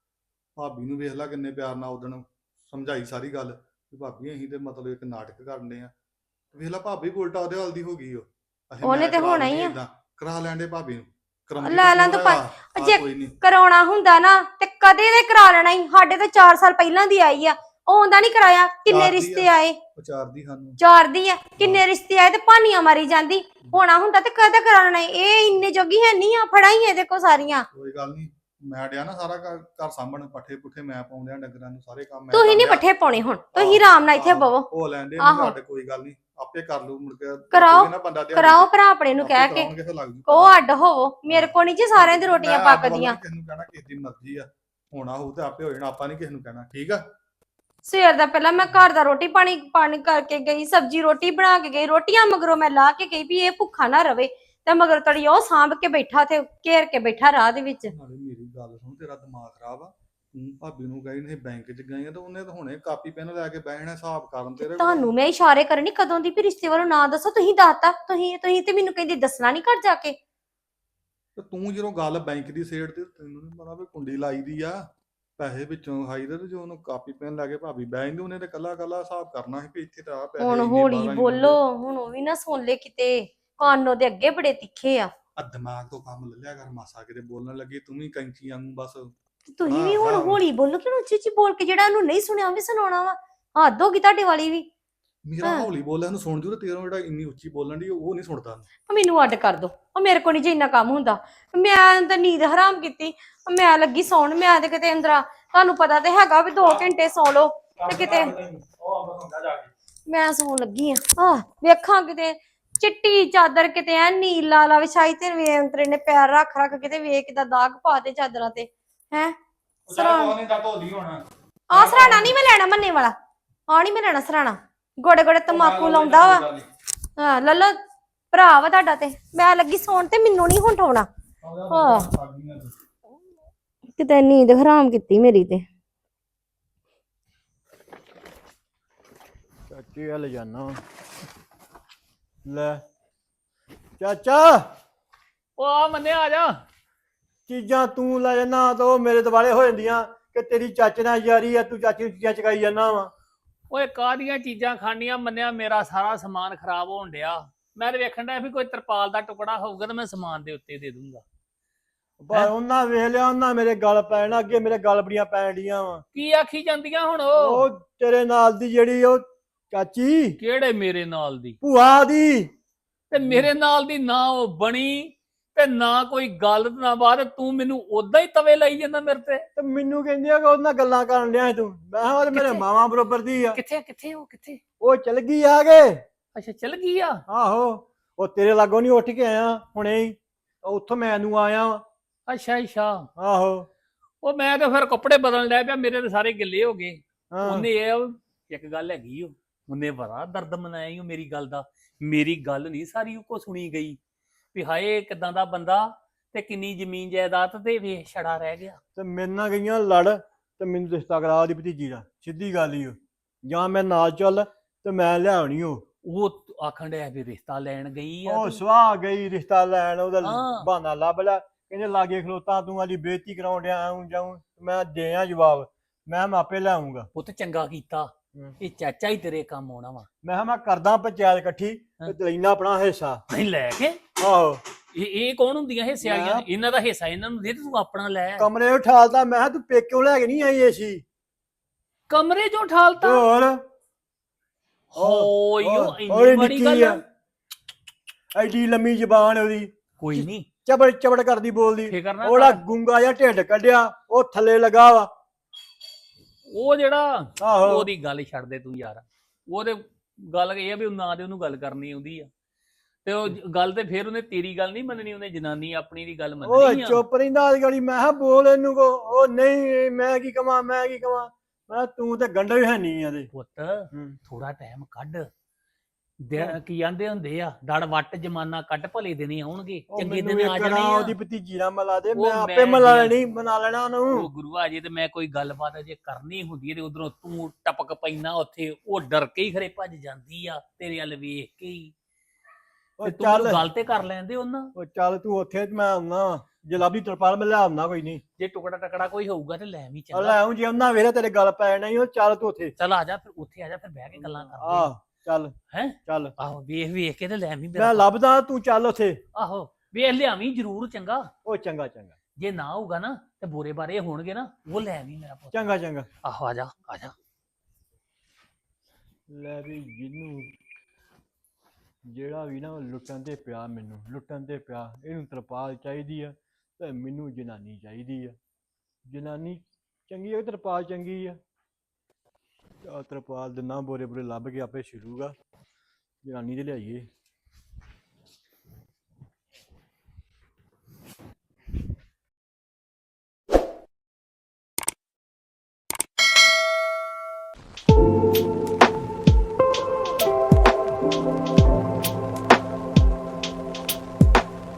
ਭਾਬੀ ਨੂੰ ਵੇਖ ਲੈ ਕਿੰਨੇ ਪਿਆਰ ਨਾਲ ਉਦਣ ਸਮਝਾਈ ਸਾਰੀ ਗੱਲ ਕਿ ਭਾਬੀ ਅਸੀਂ ਤੇ ਮਤਲਬ ਇੱਕ ਨਾਟਕ ਕਰਨੇ ਆ। ਵੇਖ ਲੈ ਭਾਬੀ ਉਲਟਾ ਉਹਦੇ ਵੱਲ ਦੀ ਹੋ ਗਈ। ਉਹ ਅਸੀਂ
ਉਹਨੇ
ਮੈਂ
ਤੇ
ਕਰਾ
ਹੋਣਾ ਹੀ
ਲੈਂਦੇ
ਆ।
ਏਦਾਂ, ਕਰਾ ਲੈਂਦੇ ਭਾਬੀ ਨੂੰ। ਕਰਾਉਂਦੀ
ਲੈ
ਤਾਂ
ਲਾਂ
ਕਿਉਂ
ਤੂੰ
ਆ? ਆ
ਜੇ
ਕੋਈ ਨਹੀਂ।
ਕਰਾਉਣਾ ਹੁੰਦਾ ਨਾ ਤੇ ਕਦੇ ਦੇ ਕਰਾ ਲੈਣਾ ਹੀ। ਸਾਡੇ ਤੇ ਚਾਰ ਸਾਲ ਪਹਿਲਾਂ ਦੀ ਆਈ ਆ, ਉਹ ਉਹਦਾ ਨਹੀਂ ਕਰਾਇਆ। ਕਿੰਨੇ
ਚਾਰ ਦੀ
ਰਿਸ਼ਤੇ
ਆ।
ਆਏ?
ਵਿਚਾਰਦੀ ਸਾਨੂੰ।
ਚਾਰ ਦੀ ਆ, ਕਿੰਨੇ ਰਿਸ਼ਤੇ ਆਏ ਤੇ ਭਾਨੀਆਂ ਮਾਰੀ ਜਾਂਦੀ। ਹੋਣਾ ਹੁੰਦਾ ਤੇ ਕਦੇ ਕਰਾਉਣਾ ਹੀ। ਇਹ ਇੰਨੇ ਜੋਗੀ ਹੈ ਨਹੀਂ ਆ, ਫੜਾ ਹੀ ਇਹਦੇ ਕੋ ਸਾਰੀਆਂ।
ਕੋਈ ਗੱਲ ਨਹੀਂ, ਮੈਂ ਡਿਆ ਨਾ ਸਾਰਾ ਘਰ ਘਰ ਸਾਂਭਣ, ਪੱਠੇ ਪੁੱਠੇ ਮੈਂ ਪਾਉਂਦਿਆਂ ਡੰਗਰਾਂ ਨੂੰ, ਸਾਰੇ ਕੰਮ ਮੈਂ
ਤੁਸੀਂ ਨਹੀਂ
ਕਰ
ਪੱਠੇ ਪਾਉਣੇ ਹੁਣ, ਤੁਸੀਂ ਆਰਾਮ ਨਾਲ ਇੱਥੇ
ਆਹੋ,
ਬਵੋ।
ਉਹ ਲੈਂਦੇ
ਆਹੋ।
ਸਾਡੇ ਕੋਈ ਗੱਲ ਨਹੀਂ, ਆਪੇ ਕਰ ਲੂ ਮੁੜ ਕੇ।
ਕਰਾਓ,
ਕੋਈ ਨਾ ਬੰਦਾ ਦਿਹਾੜੀ
ਕਰਾਓ
ਤੇ
ਭਰਾ ਆਪਣੇ ਨੂੰ
ਆਪੇ
ਕਹਿ ਕੇ।
ਕਰਾਉਣਗੇ ਫਿਰ ਲੱਗ ਜੂ
ਉਹ
ਪਤਾ।
ਅੱਡ ਹੋਵੋ, ਮੇਰੇ ਕੋ ਨਹੀਂ ਜੀ ਸਾਰਿਆਂ ਦੀ ਰੋਟੀਆਂ
ਮੈਂ ਅੱਡ ਵੱਲੋਂ
ਪੱਕਦੀਆਂ।
ਨੀ ਕਿਸੇ ਨੂੰ ਕਹਿਣਾ, ਕਿਸੇ ਦੀ ਮਰਜ਼ੀ ਆ। ਹੋਣਾ ਹੋਊ ਤੇ ਆਪੇ ਹੋ ਜਾਣਾ, ਆਪਾਂ ਨਹੀਂ ਕਿਸੇ ਨੂੰ ਕਹਿਣਾ, ਠੀਕ ਆ।
ਸਵੇਰ ਦਾ ਪਹਿਲਾਂ ਮੈਂ ਘਰ ਦਾ ਰੋਟੀ ਪਾਣੀ ਪਾਣੀ ਕਰਕੇ ਗਈ, ਸਬਜ਼ੀ ਰੋਟੀ ਬਣਾ ਕੇ ਗਈ, ਰੋਟੀਆਂ ਮਗਰੋਂ ਮੈਂ ਲਾ ਕੇ ਗਈ ਵੀ ਇਹ ਭੁੱਖਾ ਨਾ ਰਵੇ। ਤੇ ਮਗਰ ਤੜੀ ਉਹ ਸਾਂਭ ਕੇ ਬੈਠਾ ਤੇ ਘੇਰ ਕੇ ਬੈਠਾ ਰਾਹ ਦੇ ਵਿੱਚ।
ਨਾਲੇ ਮੇਰੀ ਗੱਲ ਸੁਣ, ਤੇਰਾ ਦਿਮਾਗ ਖਰਾਬ ਆ। ਤੂੰ ਭਾਬੀ ਨੂੰ ਕਹੀ ਨਹੀਂ ਬੈਂਕ 'ਚ ਗਈ ਆ ਤੇ ਉਹਨੇ ਤਾਂ ਹੁਣੇ ਕਾਪੀ ਪੈਨ ਲੈ ਕੇ ਬਹਿਣਾ ਹਿਸਾਬ ਕਰਨ ਤੇਰੇ ਕੋਲ।
ਤੁਹਾਨੂੰ ਮੈਂ ਇਸ਼ਾਰੇ ਕਰਨੀ ਕਦੋਂ ਦੀ ਵੀ ਰਿਸ਼ਤੇ ਵੱਲੋਂ ਨਾ ਦੱਸੋ। ਤੁਸੀਂ ਦੱਸਤਾ, ਤੁਸੀਂ ਤੁਸੀਂ ਤੇ ਮੈਨੂੰ ਕਹਿੰਦੀ ਦੱਸਣਾ ਨਹੀਂ ਘਰ ਜਾ ਕੇ।
ਤੇ ਤੂੰ ਜਦੋਂ ਗੱਲ ਬੈਂਕ ਦੀ ਸੇਡ ਤੇ, ਤੈਨੂੰ ਨਹੀਂ ਪਤਾ ਵੀ ਕੁੰਡੀ ਲਾਈ ਦੀ ਆ ਪੈਸੇ ਵਿੱਚੋਂ ਖਾਈ ਦੇ। ਤੇ ਜੋ ਉਹਨੂੰ ਕਾਪੀ ਪੈਨ ਲੈ ਕੇ ਭਾਬੀ ਬਹਿ ਜਾਂਦੀ, ਉਹਨੇ ਤੇ ਕੱਲਾ ਕੱਲਾ ਹਿਸਾਬ ਕਰਨਾ ਸੀ ਵੀ ਇੱਥੇ ਤਾਂ ਆ ਪੈਸੇ
ਹੁਣ
ਇੰਨੇ,
ਹੌਲੀ
ਬਾਰਾਂ ਇੰਨੇ
ਬੋਲੋ, ਹੁਣ ਉਹ ਵੀ ਨਾ ਸੁਣ ਲੈ ਕਿਤੇ। ਕਾਨੋ ਦੇ ਅੱਗੇ ਬੜੇ ਤਿੱਖੇ ਆ।
ਆ ਦਿਮਾਗ ਤੋਂ ਕੰਮ ਲੈ ਲਿਆ ਕਰ, ਮਾਸਾ ਕਿਤੇ ਬੋਲਣ ਲੱਗੀ ਤੂੰ ਵੀ ਕੈਂਚੀ ਵਾਂਗੂ ਬਸ।
ਤੁਸੀਂ ਵੀ
ਹਾਂ,
ਹੁਣ
ਹਾਂ।
ਹੌਲੀ ਬੋਲੋ ਕਿ ਉੱਚੀ ਉੱਚੀ ਬੋਲ ਕੇ ਜਿਹੜਾ ਉਹਨੂੰ ਨਹੀਂ ਸੁਣਿਆ ਉਹ ਵੀ ਸੁਣਾਉਣਾ ਵਾ। ਹੱਦ ਹੋ ਗਈ ਤੁਹਾਡੇ ਵਾਲੀ ਵੀ।
ਮੇਰਾ
ਹਾਂ।
ਹੌਲੀ ਬੋਲਿਆ ਨੂੰ ਸੁਣ ਜੂ, ਤੇ ਤੇਰਾ ਜਿਹੜਾ ਇੰਨੀ ਉੱਚੀ ਬੋਲਣ ਦੀ ਉਹ ਨਹੀਂ ਸੁਣਦਾ।
ਉਹ ਮੈਨੂੰ ਅੱਡ ਕਰ ਦੋ। ਉਹ ਮੇਰੇ ਕੋਲ ਨਹੀਂ ਜੇ ਇੰਨਾ ਕੰਮ ਹੁੰਦਾ। ਮੈਂ ਤਾਂ ਨੀਂਦ ਹਰਾਮ ਕੀਤੀ। ਮੈਂ ਲੱਗੀ ਸੌਣ, ਮੈਂ ਤੇ ਕਿਤੇ ਅੰਦਰਾ, ਤੁਹਾਨੂੰ ਪਤਾ ਤੇ ਹੈਗਾ ਵੀ ਦੋ ਘੰਟੇ ਸੌ ਲਓ ਤੇ ਕਿਤੇ ਮੈਂ ਸੌਣ ਲੱਗੀ ਆ। ਆਹ ਵੇਖਾਂ ਕਿਤੇ ਚਿੱਟੀ ਚਾਦਰ ਕਿਤੇ ਐ ਨੀਲਾ ਲਾ ਵਿਛਾਈ ਤੇ ਵੇ ਅੰਤਰੇ ਨੇ ਪੈਰ ਰੱਖ ਰੱਖ ਕਿਤੇ ਵੇਖ ਕਿਦਾ ਦਾਗ ਪਾ ਤੇ ਚਾਦਰਾਂ ਤੇ ਹੈ। ਸਰਾਣਾ ਆ ਸਰਾਣਾ ਨਹੀਂ ਮੈਂ ਲੈਣਾ ਮੰਨੇ ਵਾਲਾ। ਆ ਨਹੀਂ ਮੈਂ ਲੈਣਾ ਸਰਾਣਾ। ਗੋੜੇ ਗੋੜੇ ਤਮਾਕੂ ਲਾਉਂਦਾ ਵਾ। ਹਾਂ ਲੱਲੋ ਭਰਾ ਵਾ ਤੁਹਾਡਾ ਤੇ ਮੈਂ ਲੱਗੀ ਸੌਣ ਤੇ ਮੈਨੂੰ ਨਹੀਂ ਹੁਣ ਠਾਉਣਾ। ਹਾਂ ਕਿਤੇ ਨੀਂਦ ਹਰਾਮ ਕੀਤੀ ਮੇਰੀ ਤੇ।
ਚਾਚੇ ਵੱਲ ਜਾਣਾ ਲੈ। ਚਾਚਾ
ਉਹ ਆ ਮੰਨੇ ਆ ਜਾ।
ਚੀਜ਼ਾਂ ਤੂੰ ਲੈ ਜਾਣਾ ਤਾਂ ਉਹ ਮੇਰੇ ਦੁਆਲੇ ਹੋ ਜਾਂਦੀਆਂ ਕਿ ਤੇਰੀ ਚਾਚੇ ਨਾਲ ਯਾਰੀ ਆ, ਤੂੰ ਚਾਚੀ ਨੂੰ ਚੀਜ਼ਾਂ ਚਕਾਈ ਜਾਂਦਾ ਵਾ।
ਓਏ ਕਾਹਦੀਆਂ ਚੀਜ਼ਾਂ ਖਾਣੀਆਂ ਮੰਨਿਆ, ਮੇਰਾ ਸਾਰਾ ਸਮਾਨ ਖਰਾਬ ਹੋਣ ਡਿਆ। ਮੈਂ ਤੇ ਵੇਖਣ ਡਿਆ ਵੀ ਕੋਈ ਤਰਪਾਲ ਦਾ ਟੁਕੜਾ ਹੋਊਗਾ ਤਾਂ ਮੈਂ ਸਮਾਨ ਦੇ ਉੱਤੇ ਦੇ ਦੂੰਗਾ।
ਪਰ ਉਹਨਾਂ ਵੇਖ ਲਿਆ, ਉਹਨਾਂ ਮੇਰੇ ਗਲ ਪੈਣਾ, ਅੱਗੇ ਮੇਰੇ ਗਲ ਬੜੀਆਂ ਪੈਣ ਡੀਆਂ ਵਾ।
ਕੀ ਆਖੀ ਜਾਂਦੀਆਂ ਹੁਣ ਉਹ?
ਉਹ ਤੇਰੇ ਨਾਲ ਦੀ ਜਿਹੜੀ ਉਹ ਚਾਚੀ
ਕਿਹੜੇ ਮੇਰੇ ਨਾਲ ਦੀ?
ਭੂਆ ਦੀ।
ਤੇ ਮੇਰੇ ਨਾਲ ਦੀ ਨਾ ਉਹ ਬਣੀ ਤੇ ਨਾ ਕੋਈ ਗੱਲ ਤੇ ਨਾ ਬਾਤ, ਤੂੰ ਮੈਨੂੰ ਉਦਾਂ ਹੀ ਤਵੇ ਲਾਈ ਜਾਂਦਾ ਮੇਰੇ ਤੇ।
ਤੇ ਮੈਨੂੰ ਕਹਿੰਦੀ ਆ ਕਿ ਉਹਦੇ ਨਾਲ ਗੱਲਾਂ ਕਰਨ ਡਿਆ ਸੀ ਤੂੰ। ਮੈਂ ਕਿਹਾ ਉਹ ਤੇ ਮੇਰੇ
ਕਿੱਥੇ?
ਮਾਵਾਂ ਬਰੋਬਰ ਦੀ ਆ।
ਕਿੱਥੇ ਕਿੱਥੇ ਉਹ ਕਿੱਥੇ?
ਉਹ ਚਲ ਗਈ ਆ ਗਏ।
ਅੱਛਾ ਚਲ ਗਈ ਆ।
ਆਹੋ ਉਹ ਤੇਰੇ ਲਾਗੋਂ ਨਹੀਂ ਉੱਠ ਕੇ ਆਇਆ ਹੁਣੇ ਹੀ, ਉੱਥੋਂ ਮੈਨੂੰ ਆਇਆ ਵਾਂ।
ਅੱਛਾ ਅੱਛਾ।
ਆਹੋ
ਉਹ ਮੈਂ ਤਾਂ ਫਿਰ ਕੱਪੜੇ ਬਦਲਣ ਲੱਗ ਪਿਆ, ਮੇਰੇ ਤਾਂ ਸਾਰੇ ਗਿੱਲੇ ਹੋ ਗਏ।
ਹਾਂ
ਉਹਨੇ ਇਹ ਇੱਕ ਗੱਲ ਹੈਗੀ, ਉਹ ਉਹਨੇ ਬੜਾ ਦਰਦ ਮਨਾਇਆ ਈ ਓ ਮੇਰੀ ਗੱਲ ਦਾ। ਮੇਰੀ ਗੱਲ ਨਹੀਂ ਸਾਰੀ ਉਹ ਕੋ ਸੁਣੀ ਗਈ ਵੀ ਹਾਏ ਕਿਦਾਂ ਦਾ ਬੰਦਾ ਤੇ ਕਿੰਨੀ ਜ਼ਮੀਨ ਜਾਇਦਾਦ ਤੇ ਵੇਖ ਛੜਾ ਰਹਿ ਗਿਆ।
ਤੇ ਮੇਰੇ ਨਾਲ ਗਈਆਂ ਲੜ ਤੇ ਮੈਨੂੰ ਰਿਸ਼ਤਾ ਕਰਾ ਉਹਦੀ ਭਤੀਜੀ ਦਾ। ਸਿੱਧੀ ਗੱਲ ਹੀ ਉਹ, ਜਾਂ ਮੈਂ ਨਾਲ ਚੱਲ ਤੇ ਮੈਂ ਲਿਆਉਣੀ ਉਹ।
ਉਹ ਆਖਣ ਡਿਆ ਵੀ ਰਿਸ਼ਤਾ ਲੈਣ ਗਈ ਆ
ਉਹ
ਤੂੰ।
ਸੁਆਹ ਗਈ ਰਿਸ਼ਤਾ ਲੈਣ, ਉਹਦਾ
ਹਾਂ।
ਬਹਾਨਾ ਲੱਭ ਲਿਆ। ਕਹਿੰਦੇ ਲਾਗੇ ਖਲੋਤਾ ਤੂੰ ਆਦੀ ਬੇਇੱਜ਼ਤੀ ਕਰਾਉਣ ਡਿਆ ਆਉਂ ਜਾਉਂ। ਮੈਂ ਦੇ ਆ ਜਵਾਬ, ਮੈਂ ਮਾਪੇ ਲਿਆਉਂਗਾ।
ਪੁੱਤ ਚੰਗਾ ਕੀਤਾ,
ਹਮ।
ਇਹ ਚਾਚਾ ਹੀ ਤੇਰੇ ਕੰਮ ਆਉਣਾ ਵਾ।
ਮੈਂ ਕਿਹਾ ਮੈਂ ਕਰਦਾ ਪੰਚਾਇਤ ਇਕੱਠੀ
ਹਾਂ।
ਤੇ ਲੈਣਾ ਆਪਣਾ ਹਿੱਸਾ।
ਨਹੀਂ ਲੈ ਕੇ
ਆਹੋ
ਇਹ ਇਹ ਕੌਣ ਹੁੰਦੀਆਂ ਹਿੱਸੇ ਵਾਲੀਆਂ?
ਮੈਂ-
ਇਹਨਾਂ ਦਾ ਹਿੱਸਾ ਇਹਨਾਂ ਨੂੰ ਦੇ ਤੇ ਤੂੰ ਆਪਣਾ ਲੈ।
ਕਮਰੇ ਉਠਾਲਦਾ। ਮੈਂ ਕਿਹਾ ਤੂੰ ਪੇਕਿਓ ਲੈ ਕੇ ਨਹੀਂ ਆਈ ਏਸੀ।
ਕਮਰੇ ਚੋਂ ਠਾਲਤਾ?
ਹੋਰ
ਹੋਈ ਉਹ
ਉਹ
ਇੰਨੀ ਬੜੀ ਗੱਲ ਆ।
ਐਡੀ ਲੰਮੀ ਜ਼ਬਾਨ ਉਹਦੀ,
ਕੋਈ ਨਹੀਂ
ਚਬੜ ਚਬੜ ਕਰਦੀ ਬੋਲਦੀ।
ਫਿਕਰ ਨਾ
ਉਹਦਾ
ਕਰ।
ਗੁੰਗਾ ਜਿਹਾ ਢਿੱਡ ਕੱਢਿਆ, ਉਹ ਥੱਲੇ ਲੱਗਾ ਵਾ।
ਉਹ ਜਿਹੜਾ
ਆਹੋ
ਉਹਦੀ ਗੱਲ ਛੱਡ ਦੇ ਤੂੰ ਯਾਰ। ਉਹਦੇ ਗੱਲ ਇਹ ਆ ਵੀ ਨਾ ਤੇ ਉਹਨੂੰ ਗੱਲ ਕਰਨੀ ਆਉਂਦੀ ਆ, ਤੇ ਉਹ ਜ- ਗੱਲ ਤੇ ਫਿਰ ਉਹਨੇ ਤੇਰੀ ਗੱਲ ਨਹੀਂ ਮੰਨਣੀ, ਉਹਨੇ ਜਨਾਨੀ ਆਪਣੀ ਦੀ ਗੱਲ
ਉਹ
ਮੰਨਣੀ ਆ।
ਚੁੱਪ ਰਹਿੰਦਾ ਅੱਜ ਗਾੜੀ। ਮੈਂ ਕਿਹਾ ਬੋਲ ਇਹਨੂੰ ਕੋ। ਉਹ ਨਹੀਂ ਮੈਂ ਕੀ ਕਵਾਂ ਮੈਂ ਕੀ ਕਵਾਂ। ਮੈਂ ਕਿਹਾ ਤੂੰ ਤੇ ਗੰਢਾ ਹੀ ਹੈ ਨਹੀਂ ਇਹਦੇ।
ਪੁੱਤ
ਹੂੰ।
ਥੋੜਾ ਟਾਈਮ ਕੱਢ। ਦਿਨ ਕੀ ਆਂਦੇ ਹੁੰਦੇ ਆ, ਦੜ ਵੱਟ ਜਮਾਨਾ ਕੱਢ, ਭਲੇ ਦਿਨ ਆਉਣਗੇ,
ਉਹ
ਚੰਗੇ
ਮੈਨੂੰ
ਦਿਨ ਆ
ਇੱਕ
ਜਾਣੇ
ਨਾ
ਆ।
ਉਹਦੀ ਭਤੀਜੀ ਨਾਲ ਮਿਲਾ ਦੇ,
ਉਹ
ਮੈਂ ਆਪੇ
ਮੈਂ
ਮਿਲਾ
ਗਿਆ।
ਲੈਣੀ, ਬਣਾ ਲੈਣਾ
ਉਹ
ਉਹਨੂੰ।
ਗੁਰੂਆ ਜੇ ਤੇ ਮੈਂ ਕੋਈ ਗੱਲਬਾਤ ਜੇ ਕਰਨੀ ਹੁੰਦੀ ਹੈ ਤੇ ਉਧਰੋਂ ਤੂੰ ਟਪਕ ਪੈਣਾ ਉੱਥੇ, ਉਹ ਡਰ ਕੇ ਹੀ ਖਰੇ ਭੱਜ ਜਾਂਦੀ ਆ ਤੇਰੇ ਵੱਲ ਵੇਖ ਕੇ ਹੀ।
ਉਹ
ਤੇ ਤੂੰ ਮੈਨੂੰ
ਚੱਲ
ਗੱਲ ਤੇ ਕਰ ਲੈਂਦੇ ਉਹਨਾਂ।
ਉਹ ਚੱਲ ਤੂੰ ਉੱਥੇ ਤੇ ਮੈਂ ਆਉਣਾ। ਜੇ ਲੱਭਦੀ ਤਰਪਾਲ ਮੈਂ ਲਿਆਉਣਾ ਕੋਈ ਨਹੀਂ।
ਜੇ ਟੁਕੜਾ ਟਕੜਾ ਕੋਈ ਹੋਊਗਾ ਤੇ ਲੈ ਵੀ
ਆ
ਚੰਗਾ।
ਲੈ ਆਉਂ ਜੇ ਉਹਨਾਂ ਵੇਰੇ ਤੇਰੇ ਗੱਲ ਪੈ ਜਾਣਾ ਈ। ਉਹ ਚੱਲ ਤੂੰ ਉੱਥੇ।
ਚੱਲ ਆ ਜਾ ਫਿਰ, ਉੱਥੇ ਆ ਜਾ ਫਿਰ ਬਹਿ ਕੇ ਗੱਲਾਂ ਕਰਦੇ
ਆਹ ਚੱਲ
ਹੈਂ?
ਚੱਲ
ਆਹੋ ਵੇਖ ਵੇਖ ਕੇ ਤੇ ਲੈ ਵੀ
ਮੈਂ
ਮੇਰਾ।
ਲੱਭਦਾ, ਤੂੰ ਚੱਲ ਉੱਥੇ।
ਆਹੋ ਵੇਖ ਲਿਆਵੀਂ ਜ਼ਰੂਰ ਚੰਗਾ।
ਉਹ ਚੰਗਾ ਚੰਗਾ
ਜੇ ਨਾ ਹੋਊਗਾ ਨਾ ਤੇ ਬੋਰੇ ਬਾਰੇ ਹੋਣਗੇ ਨਾ, ਉਹ ਲੈ ਵੀ ਮੇਰਾ ਪੁੱਤ।
ਚੰਗਾ ਚੰਗਾ।
ਆਹੋ ਆ ਜਾ ਆ ਜਾ।
ਲੈ ਵੀ ਜਿਹਨੂੰ ਜਿਹੜਾ ਵੀ ਨਾ ਉਹ ਲੁੱਟਣ ਤੇ ਪਿਆ, ਮੈਨੂੰ ਲੁੱਟਣ ਤੇ ਪਿਆ। ਇਹਨੂੰ ਤਰਪਾਲ ਚਾਹੀਦੀ ਆ ਤੇ ਮੈਨੂੰ ਜਨਾਨੀ ਚਾਹੀਦੀ ਆ। ਜਨਾਨੀ ਚੰਗੀ ਆ, ਤਰਪਾਲ ਚੰਗੀ ਆ। ਆ ਤਰਪਾਲ ਦਿਨਾ ਬੋਰੇ ਬੋਰੇ ਲੱਭ ਕੇ ਆਪੇ ਛਿੜੂਗਾ। ਜਨਾਨੀ ਤੇ ਲਿਆਈਏ।